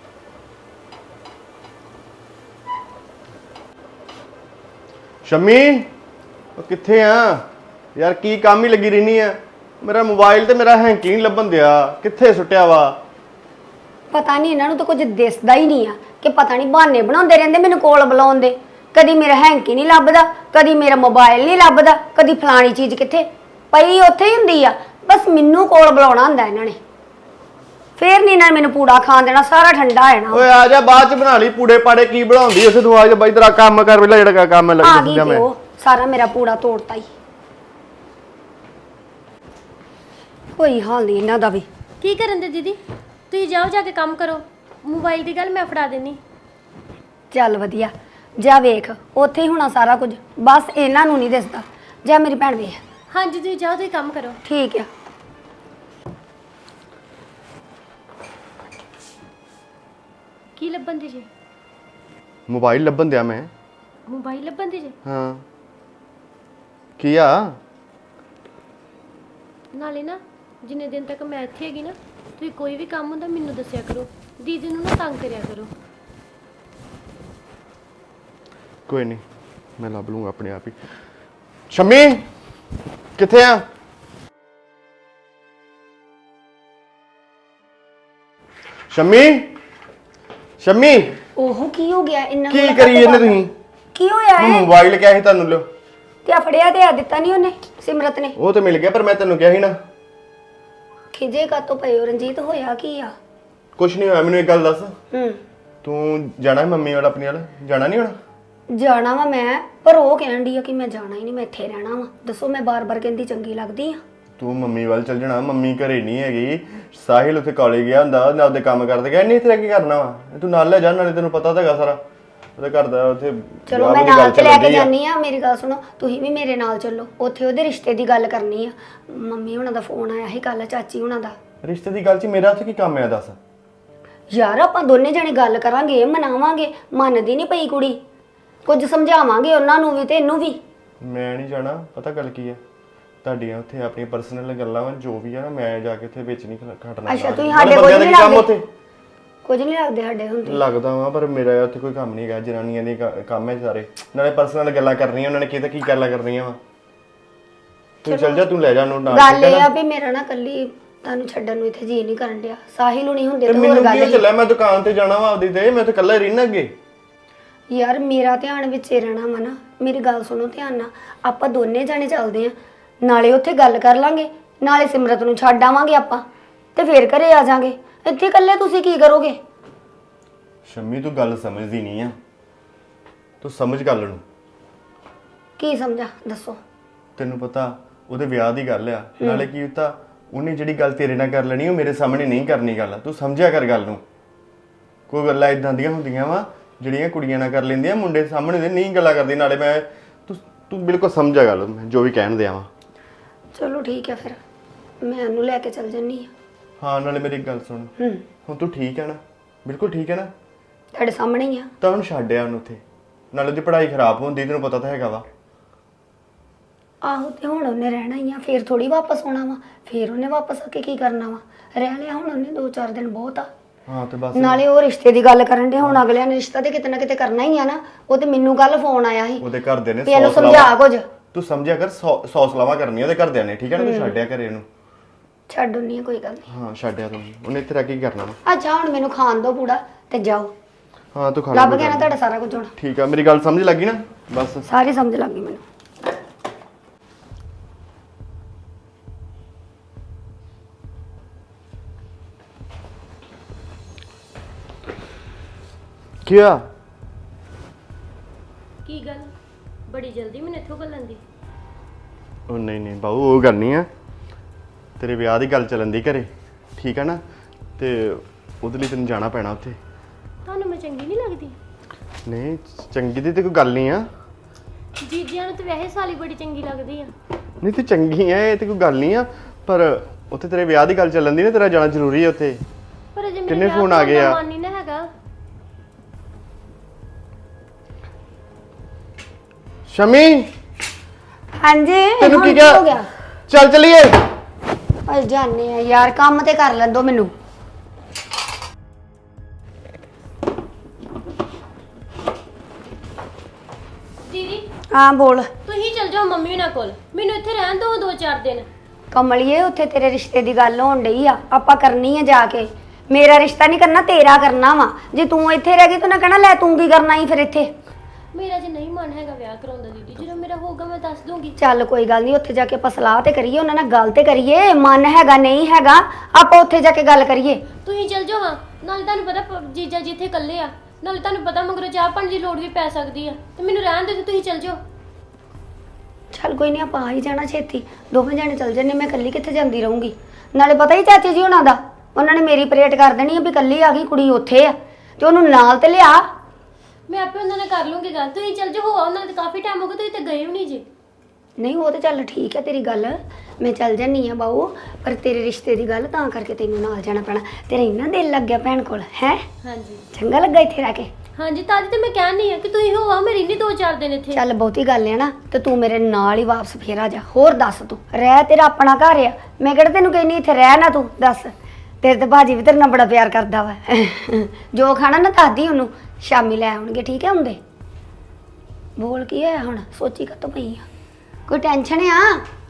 ਸ਼ਮੀ ਉਹ ਕਿੱਥੇ ਆ ਯਾਰ? ਕੀ ਕੰਮ ਹੀ ਲੱਗੀ ਰਹਿਨੀ ਆ? ਮੇਰਾ ਮੋਬਾਈਲ ਤੇ ਮੇਰਾ ਹੈਂਕੀ ਨਹੀਂ ਲੱਭਣ ਦਿਆ, ਕਿੱਥੇ ਸੁੱਟਿਆ ਵਾ? ਪਤਾ ਨਹੀਂ ਇਹਨਾਂ ਨੂੰ ਤਾਂ ਕੁਝ ਦਿਸਦਾ ਹੀ ਨਹੀਂ ਆ ਕਿ ਪਤਾ ਨਹੀਂ ਬਹਾਨੇ ਬਣਾਉਂਦੇ ਰਹਿੰਦੇ ਮੈਨੂੰ ਕੋਲ ਬੁਲਾਉਣ ਦੇ। ਕਦੀ ਮੇਰਾ ਹੈਂਕੀ ਨਹੀਂ ਲੱਭਦਾ, ਕਦੀ ਮੇਰਾ ਮੋਬਾਈਲ ਨਹੀਂ ਲੱਭਦਾ, ਕਦੀ ਫਲਾਣੀ ਚੀਜ਼ ਕਿੱਥੇ ਪਈ ਉੱਥੇ ਹੀ ਹੁੰਦੀ ਆ। ਬਸ ਮੈਨੂੰ ਕੋਲ ਬੁਲਾਉਣਾ ਹੁੰਦਾ ਇਹਨਾਂ ਨੇ। ਫੇਰ ਨਹੀਂ ਇਹਨਾਂ ਨੇ ਮੈਨੂੰ ਪੂੜਾ ਖਾਣ ਦੇਣਾ, ਸਾਰਾ ਠੰਡਾ ਹੋ ਜਾਣਾ। ਓਏ ਆ ਜਾ, ਬਾਅਦ ਚ ਬਣਾ ਲਈ ਪੂੜੇ ਪਾੜੇ। ਕੀ ਬਣਾਉਂਦੀ ਉਸੇ ਤੂੰ? ਆ ਜਾ ਬਾਈ ਤੇਰਾ ਕੰਮ ਕਰ ਪਹਿਲਾਂ, ਜਿਹੜਾ ਕੰਮ ਆ ਲੱਗ ਗਈ ਜਾ ਤੇ ਮੈਂ। ਉਹ ਸਾਰਾ ਮੇਰਾ ਪੂੜਾ ਤੋੜਤਾ ਹੀ। ਕੋਈ ਹਾਲ ਨਹੀਂ ਇਹਨਾਂ ਦਾ ਵੀ। ਕੀ ਕਰਨ ਦੇ ਦੀਦੀ? ਤੁਸੀਂ ਜਾਓ ਜਾ ਕੇ ਕੰਮ ਕਰੋ, ਮੋਬਾਈਲ ਦੀ ਗੱਲ ਮੈਂ ਫੜਾ ਦੇਣੀ। ਚੱਲ ਵਧੀਆ, ਜਾ ਵੇਖ ਉੱਥੇ ਹੀ ਹੋਣਾ ਸਾਰਾ ਕੁਝ, ਬਸ ਇਹਨਾਂ ਨੂੰ ਨਹੀਂ ਦਿਸਦਾ। ਜਾ ਮੇਰੀ ਭੈਣ ਵੇਖ। ਹਾਂਜੀ ਤੁਸੀਂ ਜਾਓ, ਤੁਸੀਂ ਕੰਮ ਕਰੋ। ਠੀਕ ਆ। ਕੀ ਲੱਭਣ ਦੀ ਜੀ? ਮੋਬਾਈਲ ਲੱਭਣ ਦਿਆ ਮੈਂ। ਮੋਬਾਈਲ ਲੱਭਣ ਦੀ ਜੀ? ਹਾਂ ਕੀ ਆ? ਨਾਲੇ ਨਾ ਜਿੰਨੇ ਦਿਨ ਤੱਕ ਮੈਂ ਇੱਥੇ ਹੈਗੀ ਨਾ, ਤੁਸੀਂ ਕੋਈ ਵੀ ਕੰਮ ਹੁੰਦਾ ਮੈਨੂੰ ਦੱਸਿਆ ਕਰੋ। ਦੀਦੀ ਨੂੰ ਨਾ ਤੰਗ ਕਰਿਆ ਕਰੋ। ਕੋਈ ਨਹੀਂ, ਮੈਂ ਲੱਭ ਲੂੰਗਾ ਆਪਣੇ ਆਪ ਹੀ। ਸ਼ਮੀ ਕਿੱਥੇ ਆ? ਸ਼ਮੀ ਸ਼ਮੀ ਉਹ ਕੀ ਹੋ ਗਿਆ ਇਹਨਾਂ ਕੀ ਨੂੰ? ਕਰੀ ਜਾਂਦੇ ਤੁਸੀਂ? ਕੀ ਹੋਇਆ ਮੈਂ ਹੈ? ਮੋਬਾਈਲ ਕਿਹਾ ਸੀ ਤੁਹਾਨੂੰ ਲਿਓ। ਤੇ ਆ ਫੜਿਆ ਤੇ ਆ ਦਿੱਤਾ ਨਹੀਂ ਉਹਨੇ, ਸਿਮਰਤ ਨੇ। ਉਹ ਤੇ ਮਿਲ ਗਿਆ, ਪਰ ਮੈਂ ਤੈਨੂੰ ਕਿਹਾ ਸੀ ਨਾ। ਖਿਜੇ ਕਾ ਤੋਂ ਪਏ ਹੋ ਰਣਜੀਤ, ਹੋਇਆ ਕੀ ਆ? ਕੁਛ ਨਹੀਂ ਹੋਇਆ। ਮੈਨੂੰ ਇੱਕ ਗੱਲ ਦੱਸ, ਹੂੰ, ਤੂੰ ਜਾਣਾ ਹੈ ਮੰਮੀ ਵਾਲਾ ਆਪਣੀ ਵਾਲਾ? ਜਾਣਾ ਨਹੀਂ ਹੋਣਾ? ਜਾਣਾ ਵਾ ਮੈਂ, ਪਰ ਉਹ ਕਹਿਣ ਡਈ ਆ ਕਿ ਮੈਂ ਜਾਣਾ ਹੀ ਨਹੀਂ, ਮੈਂ ਇੱਥੇ ਰਹਿਣਾ ਵਾ। ਦੱਸੋ ਮੈਂ ਬਾਰ-ਬਾਰ ਕਹਿੰਦੀ ਚੰਗੀ ਲੱਗਦੀ ਆ? ਤੂੰ ਮੰਮੀ ਵੱਲ ਚੱਲ ਜਾਣਾ। ਮੰਮੀ ਘਰੇ ਨਹੀਂ ਹੈਗੀ, ਸਾਹਿਲ ਉੱਥੇ ਕਾਲਜ ਗਿਆ ਹੁੰਦਾ, ਉਹਨੇ ਆਪਦੇ ਕੰਮ ਕਰਦੇ ਗਿਆ। ਨਹੀਂ ਤੇਰਾ ਕੀ ਕਰਨਾ ਵਾ? ਤੂੰ ਨਾਲ ਲੈ ਜਾ, ਨਾਲੇ ਤੈਨੂੰ ਪਤਾ ਤਾਂ ਹੈਗਾ ਸਾਰਾ। ਉਹਦੇ ਘਰ ਦਾ ਉੱਥੇ ਚਲੋ ਵਿਆਹ ਮੈਂ ਦੀ ਨਾਲ ਗੱਲ ਤੇ ਲੈ ਚੱਲਣ ਕੇ ਡਈ ਆ। ਜਾਨੀ ਆ, ਮੇਰੀ ਗੱਲ ਸੁਣੋ, ਤੁਸੀਂ ਵੀ ਮੇਰੇ ਨਾਲ ਚੱਲੋ, ਉੱਥੇ ਉਹਦੇ ਰਿਸ਼ਤੇ ਦੀ ਗੱਲ ਕਰਨੀ ਆ। ਮੰਮੀ ਹੁਣਾਂ ਦਾ ਫੋਨ ਆਇਆ ਸੀ ਕੱਲ, ਚਾਚੀ ਹੁਣਾਂ ਦਾ। ਰਿਸ਼ਤੇ ਦੀ ਗੱਲ 'ਚ ਮੇਰਾ ਉੱਥੇ ਕੀ ਕੰਮ ਆ ਦੱਸ? ਯਾਰ ਆਪਾਂ ਦੋਨੇ ਜਣੇ ਗੱਲ ਕਰਾਂਗੇ, ਮਨਾਵਾਂਗੇ। ਮੰਨਦੀ ਨਹੀਂ ਪਈ ਕੁੜੀ, ਕੁਝ ਸਮਝਾਵਾਂਗੇ ਉਹਨਾਂ ਨੂੰ ਵੀ ਤੇ ਇਹਨੂੰ ਵੀ। ਮੈਂ ਨਹੀਂ ਜਾਣਾ, ਪਤਾ ਗੱਲ ਕੀ ਹੈ, ਤੁਹਾਡੀਆਂ ਉੱਥੇ ਆਪਣੀਆਂ ਪਰਸਨਲ ਗੱਲਾਂ ਵਾ, ਜੋ ਵੀ ਆ ਨਾ, ਮੈਂ ਜਾ ਕੇ ਉੱਥੇ ਵਿੱਚ ਨਹੀਂ ਖੜਨਾ। ਅੱਛਾ, ਤੁਸੀਂ ਨਾਲੇ ਸਾਡੇ ਬੰਦਿਆਂ ਕੁਝ ਦਾ ਨਹੀਂ ਕੀ ਕੰਮ ਲੱਗਦੇ? ਉੱਥੇ? ਕੁਝ ਨਹੀਂ ਲੱਗਦੇ ਸਾਡੇ ਹੁੰਦੇ। ਲੱਗਦਾ ਵਾ, ਪਰ ਮੇਰਾ ਉੱਥੇ ਕੋਈ ਕੰਮ ਨਹੀਂ ਹੈਗਾ, ਜਨਾਨੀਆਂ ਦੇ ਕੰਮ ਹੈ ਸਾਰੇ। ਨਾਲੇ ਪਰਸਨਲ ਗੱਲਾਂ ਕਰਨੀਆਂ ਉਹਨਾਂ ਨੇ, ਕੀ ਗੱਲਾਂ ਕਰਨੀਆਂ ਵਾ। ਤੂੰ ਚੱਲ ਜਾ, ਤੂੰ ਲੈ ਜਾ ਉਹਨੂੰ ਨਾਲ। ਗੱਲ ਇਹ ਆ ਵੀ ਮੇਰਾ ਨਾ ਕੱਲੀ ਤੁਹਾਨੂੰ ਛੱਡਣ ਨੂੰ ਇੱਥੇ ਜੀ ਨਹੀਂ ਕਰਨ ਡਿਆ। ਸਾਹਿਲ ਨੂੰ ਨਹੀਂ ਹੁੰਦੇ ਤੇ ਤਾਂ ਹੋਰ ਮੈਨੂੰ ਗੱਲ ਕੀ ਹੀ। ਚੱਲਿਆ, ਮੈਂ ਦੁਕਾਨ ਤੇ ਜਾਣਾ ਵਾ ਆਪਦੀ ਤੇ, ਮੈਂ ਤਾਂ ਇਕੱਲਾ ਹੀ ਰਹਿਣਾ ਅੱਗੇ। ਯਾਰ ਮੇਰਾ ਧਿਆਨ ਵਿੱਚ ਹੀ ਰਹਿਣਾ ਵਾ ਨਾ, ਮੇਰੀ ਗੱਲ ਸੁਣੋ ਧਿਆਨ ਨਾਲ। ਆਪਾਂ ਦੋਨੇ ਜਾਣੇ ਚੱਲਦੇ ਆ, ਨਾਲੇ ਉੱਥੇ ਗੱਲ ਕਰ ਲਾਂਗੇ, ਨਾਲੇ ਸਿਮਰਤ ਨੂੰ ਛੱਡ ਆਵਾਂਗੇ ਆਪਾਂ, ਤੇ ਫੇਰ ਘਰੇ ਆ ਜਾਾਂਗੇ। ਇੱਥੇ ਇਕੱਲੇ ਤੁਸੀਂ ਕੀ ਕਰੋਗੇ? ਸ਼ੰਮੀ ਤੂੰ ਗੱਲ ਸਮਝਦੀ ਨਹੀਂ ਆ, ਤੂੰ ਸਮਝ ਗੱਲ ਨੂੰ। ਕੀ ਸਮਝਾ ਦੱਸੋ? ਤੈਨੂੰ ਪਤਾ ਉਹਦੇ ਵਿਆਹ ਦੀ ਗੱਲ ਆ, ਨਾਲੇ ਕੀ ਹੁੰਦਾ, ਉਹਨੇ ਜਿਹੜੀ ਗੱਲ ਤੇਰੇ ਨਾਲ ਕਰ ਲੈਣੀ ਉਹ ਮੇਰੇ ਸਾਹਮਣੇ ਨਹੀਂ ਕਰਨੀ ਗੱਲ। ਤੂੰ ਸਮਝਿਆ ਕਰ ਗੱਲ ਨੂੰ। ਕੋਈ ਗੱਲਾਂ ਇਦਾਂ ਦੀਆਂ ਹੁੰਦੀਆਂ ਵਾ ਜਿਹੜੀਆਂ ਕੁੜੀਆਂ ਨਾਲ ਕਰ ਲੈਂਦੀਆਂ, ਮੁੰਡੇ ਸਾਹਮਣੇ ਦੇ ਨਹੀਂ ਗੱਲਾਂ ਕਰਦੀ। ਨਾਲੇ ਮੈਂ ਤੂੰ ਬਿਲਕੁਲ ਸਮਝਿਆ ਗੱਲ, ਮੈਂ ਜੋ ਵੀ ਕਹਿਣ ਦਿਆਂ ਵਾ। ਚਲੋ ਠੀਕ ਹੈ, ਫਿਰ ਮੈਂ ਉਹਨੂੰ ਲੈ ਕੇ ਚੱਲ ਜੰਨੀ ਆ। ਹਾਂ, ਨਾਲੇ ਮੇਰੀ ਇੱਕ ਗੱਲ ਸੁਣ, ਹੁਣ ਤੂੰ ਠੀਕ ਹੈ ਨਾ? ਬਿਲਕੁਲ ਠੀਕ ਹੈ ਨਾ? ਤੁਹਾਡੇ ਸਾਹਮਣੇ ਹੀ ਆ। ਤਾਂ ਉਹਨੂੰ ਛੱਡਿਆ ਉਹਨੂੰ ਉੱਥੇ, ਨਾਲੇ ਉਹਦੀ ਪੜ੍ਹਾਈ ਖਰਾਬ ਹੁੰਦੀ, ਤੈਨੂੰ ਪਤਾ ਤਾਂ ਹੈਗਾ ਵਾ। ਆਹੋ, ਤੇ ਹੁਣ ਉਹਨੇ ਰਹਿਣਾ ਹੀ ਆ, ਫੇਰ ਥੋੜੀ ਵਾਪਸ ਆਉਣਾ ਵਾ। ਫੇਰ ਉਹਨੇ ਵਾਪਸ ਆ ਕੇ ਕੀ ਕਰਨਾ ਵਾ? ਰਹਿ ਲਿਆ ਹੁਣ ਉਹਨੇ 2-4 ਦਿਨ, ਬਹੁਤ ਆ। ਹਾਂ ਤੇ ਬਸ ਨਾਲੇ ਉਹ ਰਿਸ਼ਤੇ ਦੀ ਗੱਲ ਕਰਨ ਦੇ, ਹੁਣ ਅਗਲਿਆਂ ਨੇ ਰਿਸ਼ਤਾ ਤੇ ਕਿਤੇ ਨਾ ਕਿਤੇ ਕਰਨਾ ਹੀ ਆ ਨਾ। ਉਹ ਤੇ ਮੈਨੂੰ ਕੱਲ ਫੋਨ ਆਇਆ ਸੀ, ਉਹਦੇ ਘਰਦਿਆਂ ਨੇ ਵੀ ਇਹਨੂੰ 100 ਸਮਝਾ ਕੁਝ। ਤੂੰ ਸਮਝਿਆ ਕਰ, 100 ਸਲਾਵਾਂ ਕਰਨੀਆਂ ਉਹਦੇ ਘਰਦਿਆਂ ਨੇ, ਠੀਕ ਹੈ ਨਾ? ਤੂੰ ਛੱਡਿਆ ਘਰੇ ਇਹਨੂੰ। ਛੱਡ ਉਨੀ ਆ, ਕੋਈ ਗੱਲ ਨਹੀਂ। ਹਾਂ, ਛੱਡਿਆ ਤੂੰ, ਉਹਨੇ ਇੱਥੇ ਰਹਿ ਕੇ ਕੀ ਕਰਨਾ ਵਾ? ਅੱਛਾ, ਹੁਣ ਮੈਨੂੰ ਖਾਣ ਦੋ ਪੂੜਾ ਤੇ ਜਾਓ। ਹਾਂ ਤੂੰ ਖਾ ਲੱਭ ਲੈ ਗਿਆ ਨਾ ਤੁਹਾਡਾ ਸਾਰਾ ਕੁਝ ਹੁਣ? ਠੀਕ ਆ, ਮੇਰੀ ਗੱਲ ਸਮਝ ਲੱਗੀ ਨਾ? ਬਸ ਸਾਰੀ ਸਮਝ ਲੱਗ ਗਈ ਮੈਨੂੰ। ਕੀ ਆ? ਕੀ ਗੱਲ ਬੜੀ ਜਲਦੀ ਮੈਨੂੰ ਇੱਥੋਂ ਘੱਲਣ ਦੀ? ਉਹ ਨਹੀਂ ਬਾਊ, ਉਹ ਗੱਲ ਨਹੀਂ ਆ, ਤੇਰੇ ਵਿਆਹ ਦੀ ਗੱਲ ਚੱਲਣ ਦੀ ਘਰੇ, ਠੀਕ ਆ ਨਾ? ਤੇ ਉਹਦੇ ਲਈ ਤੈਨੂੰ ਜਾਣਾ ਪੈਣਾ ਉੱਥੇ। ਤੁਹਾਨੂੰ ਮੈਂ ਚੰਗੀ ਨਹੀਂ ਲੱਗਦੀ? ਨਹੀਂ, ਚੰਗੀ ਦੀ ਤੇ ਕੋਈ ਗੱਲ ਨਹੀਂ ਆ। ਜੀਜਿਆਂ ਨੂੰ ਤਾਂ ਵੈਸੇ ਸਾਲੀ ਬੜੀ ਚੰਗੀ ਲੱਗਦੀ ਆ। ਨਹੀਂ ਤੂੰ ਚੰਗੀ ਐ, ਇਹ ਤੇ ਕੋਈ ਗੱਲ ਨਹੀਂ ਆ, ਪਰ ਉੱਥੇ ਤੇਰੇ ਵਿਆਹ ਦੀ ਗੱਲ ਚੱਲਣ ਦੀ ਨਾ, ਤੇਰਾ ਜਾਣਾ ਜ਼ਰੂਰੀ ਹੈ ਉੱਥੇ। ਪਰ ਅਜੇ ਕਿੰਨੇ ਮੇਰੇ ਫੋਨ ਆ ਗਏ ਆ? ਮਨ ਨਹੀਂ ਨਾ ਹੈਗਾ। ਸ਼ਮੀ, ਹਾਂਜੀ, ਤੈਨੂੰ ਹੁਣ ਕੀ ਹੋ ਕਿਹਾ? ਗਿਆ? ਚੱਲ ਚਲੀਏ। ਅੱਜ ਜਾਣੇ ਆ ਯਾਰ, ਕੰਮ ਤੇ ਕਰ ਲੈਂਦੋ ਮੈਨੂੰ। ਦੀਦੀ ਹਾਂ ਬੋਲ। ਤੁਸੀਂ ਚਲ ਜਾਓ ਮੰਮੀ ਨਾਲ ਕੋਲ, ਮੈਨੂੰ ਇੱਥੇ ਰਹਿਣ ਦਿਓ 2-4 ਦਿਨ। ਕਮਲੀਏ, ਉੱਥੇ ਤੇਰੇ ਰਿਸ਼ਤੇ ਦੀ ਗੱਲ ਹੋਣ ਡਈ ਆ, ਆਪਾਂ ਕਰਨੀ ਆ ਜਾ ਕੇ। ਮੇਰਾ ਰਿਸ਼ਤਾ ਨਹੀਂ ਕਰਨਾ, ਤੇਰਾ ਕਰਨਾ ਵਾ। ਜੇ ਤੂੰ ਇੱਥੇ ਰਹਿ ਗਈ ਤੂੰ ਨਾ ਕਹਿਣਾ ਲੈ ਤੂੰ ਕੀ ਕਰਨਾ ਹੀ ਫਿਰ ਇੱਥੇ। ਮੇਰਾ ਜੇ ਨਹੀਂ ਮਨ ਹੈਗਾ ਵਿਆਹ ਕਰਾਉਣ ਦਾ ਦੀਦੀ, ਜਦੋਂ ਮੇਰਾ ਹੋਊਗਾ ਮੈਂ ਦੱਸ ਦੂੰਗੀ। ਚੱਲ ਕੋਈ ਗੱਲ ਨਹੀਂ, ਉੱਥੇ ਜਾ ਕੇ ਆਪਾਂ ਸਲਾਹ ਤੇ ਕਰੀਏ, ਉਹਨਾਂ ਨਾਲ ਗੱਲ ਤੇ ਕਰੀਏ। ਮਨ ਹੈਗਾ ਨਹੀਂ ਹੈਗਾ, ਆਪਾਂ ਉੱਥੇ ਜਾ ਕੇ ਗੱਲ ਕਰੀਏ। ਤੁਸੀਂ ਚਲ ਜਾਓ। ਹਾਂ, ਨਾਲੇ ਤੁਹਾਨੂੰ ਪਤਾ ਜੀਜਾ ਜੀ ਇੱਥੇ ਇਕੱਲੇ ਆ, ਨਾਲੇ ਤੁਹਾਨੂੰ ਪਤਾ ਮਗਰੋਂ ਚਾਹ ਪਾਣੀ ਦੀ ਲੋੜ ਵੀ ਪੈ ਸਕਦੀ ਆ, ਤੇ ਮੈਨੂੰ ਰਹਿਣ ਦਿਓ, ਤੁਸੀਂ ਚਲ ਜਾਓ। ਚੱਲ ਕੋਈ ਨਹੀਂ, ਆਪਾਂ ਆ ਹੀ ਜਾਣਾ ਛੇਤੀ, ਦੋਵੇਂ ਜਾਣੇ ਚੱਲ ਜੰਨੇ। ਮੈਂ ਇਕੱਲੀ ਕਿੱਥੇ ਜਾਂਦੀ ਰਹੂੰਗੀ? ਨਾਲੇ ਪਤਾ ਹੀ ਚਾਚੀ ਜੀ ਉਹਨਾਂ ਦਾ, ਉਹਨਾਂ ਨੇ ਮੇਰੀ ਪਰੇਡ ਕਰ ਦੇਣੀ ਆ ਵੀ ਇਕੱਲੀ ਆ ਗਈ ਕੁੜੀ ਉੱਥੇ ਆ, ਤੇ ਉਹਨੂੰ ਨਾਲ ਤੇ ਲਿਆ। ਮੈਂ ਆਪੇ ਉਹਨਾਂ ਨਾਲ ਕਰ ਲੂੰਗੀ ਗੱਲ, ਤੁਸੀਂ ਚਲ ਜਾਓ। ਹੋ ਉਹਨਾਂ ਨਾਲ ਕਾਫੀ ਟਾਈਮ ਹੋ ਗਿਆ, ਤੁਸੀਂ ਤੇ ਗਏ ਵੀ ਨਹੀਂ ਜੀ। ਨਹੀਂ ਉਹ ਤੇ ਚੱਲ ਠੀਕ ਹੈ ਤੇਰੀ ਗੱਲ, ਮੈਂ ਚੱਲ ਜਾਨੀ ਆ ਬਾਊ, ਪਰ ਤੇਰੇ ਰਿਸ਼ਤੇ ਦੀ ਗੱਲ ਤਾਂ ਕਰਕੇ ਤੈਨੂੰ ਨਾਲ ਜਾਣਾ ਪੈਣਾ। ਤੇਰਾ ਇੰਨਾ ਦਿਲ ਲੱਗ ਗਿਆ ਭੈਣ ਕੋਲ ਹੈ? ਹਾਂਜੀ ਚੰਗਾ ਲੱਗਾ ਇੱਥੇ ਰਹਿ ਕੇ? ਹਾਂਜੀ, ਤਾਂ ਤੇ ਮੈਂ ਕਹਿਣੀ ਆ ਕਿ ਤੁਸੀਂ ਹੋ ਆਓ, ਮੈਂ ਰਹਿਣੀ 2-4 ਦਿਨ ਇੱਥੇ। ਚੱਲ ਬਹੁਤੀ ਗੱਲ ਹੈ ਨਾ, ਤੇ ਤੂੰ ਮੇਰੇ ਨਾਲ ਹੀ ਵਾਪਸ ਫੇਰ ਆ ਜਾ। ਹੋਰ ਦੱਸ, ਤੂੰ ਰਹਿ, ਤੇਰਾ ਆਪਣਾ ਘਰ ਆ, ਮੈਂ ਕਿਹੜਾ ਤੈਨੂੰ ਕਹਿੰਨੀ ਇੱਥੇ ਰਹਿ ਨਾ। ਤੂੰ ਦੱਸ, ਤੇਰੇ ਤੇ ਭਾਜੀ ਵੀ ਤੇਰੇ ਨਾਲ ਬੜਾ ਪਿਆਰ ਕਰਦਾ ਵਾ। ਜੋ ਖਾਣਾ ਨਾ ਦੱਸਦੀ ਉਹਨੂੰ, ਸ਼ਾਮੀ ਲੈ ਆਉਣਗੇ, ਠੀਕ ਹੈ ਹੁੰਦੇ? ਬੋਲ ਕੀ ਹੈ ਹੁਣ? ਸੋਚੀ ਕਾਤੋਂ ਪਈ ਆ? ਕੋਈ ਟੈਨਸ਼ਨ ਆ?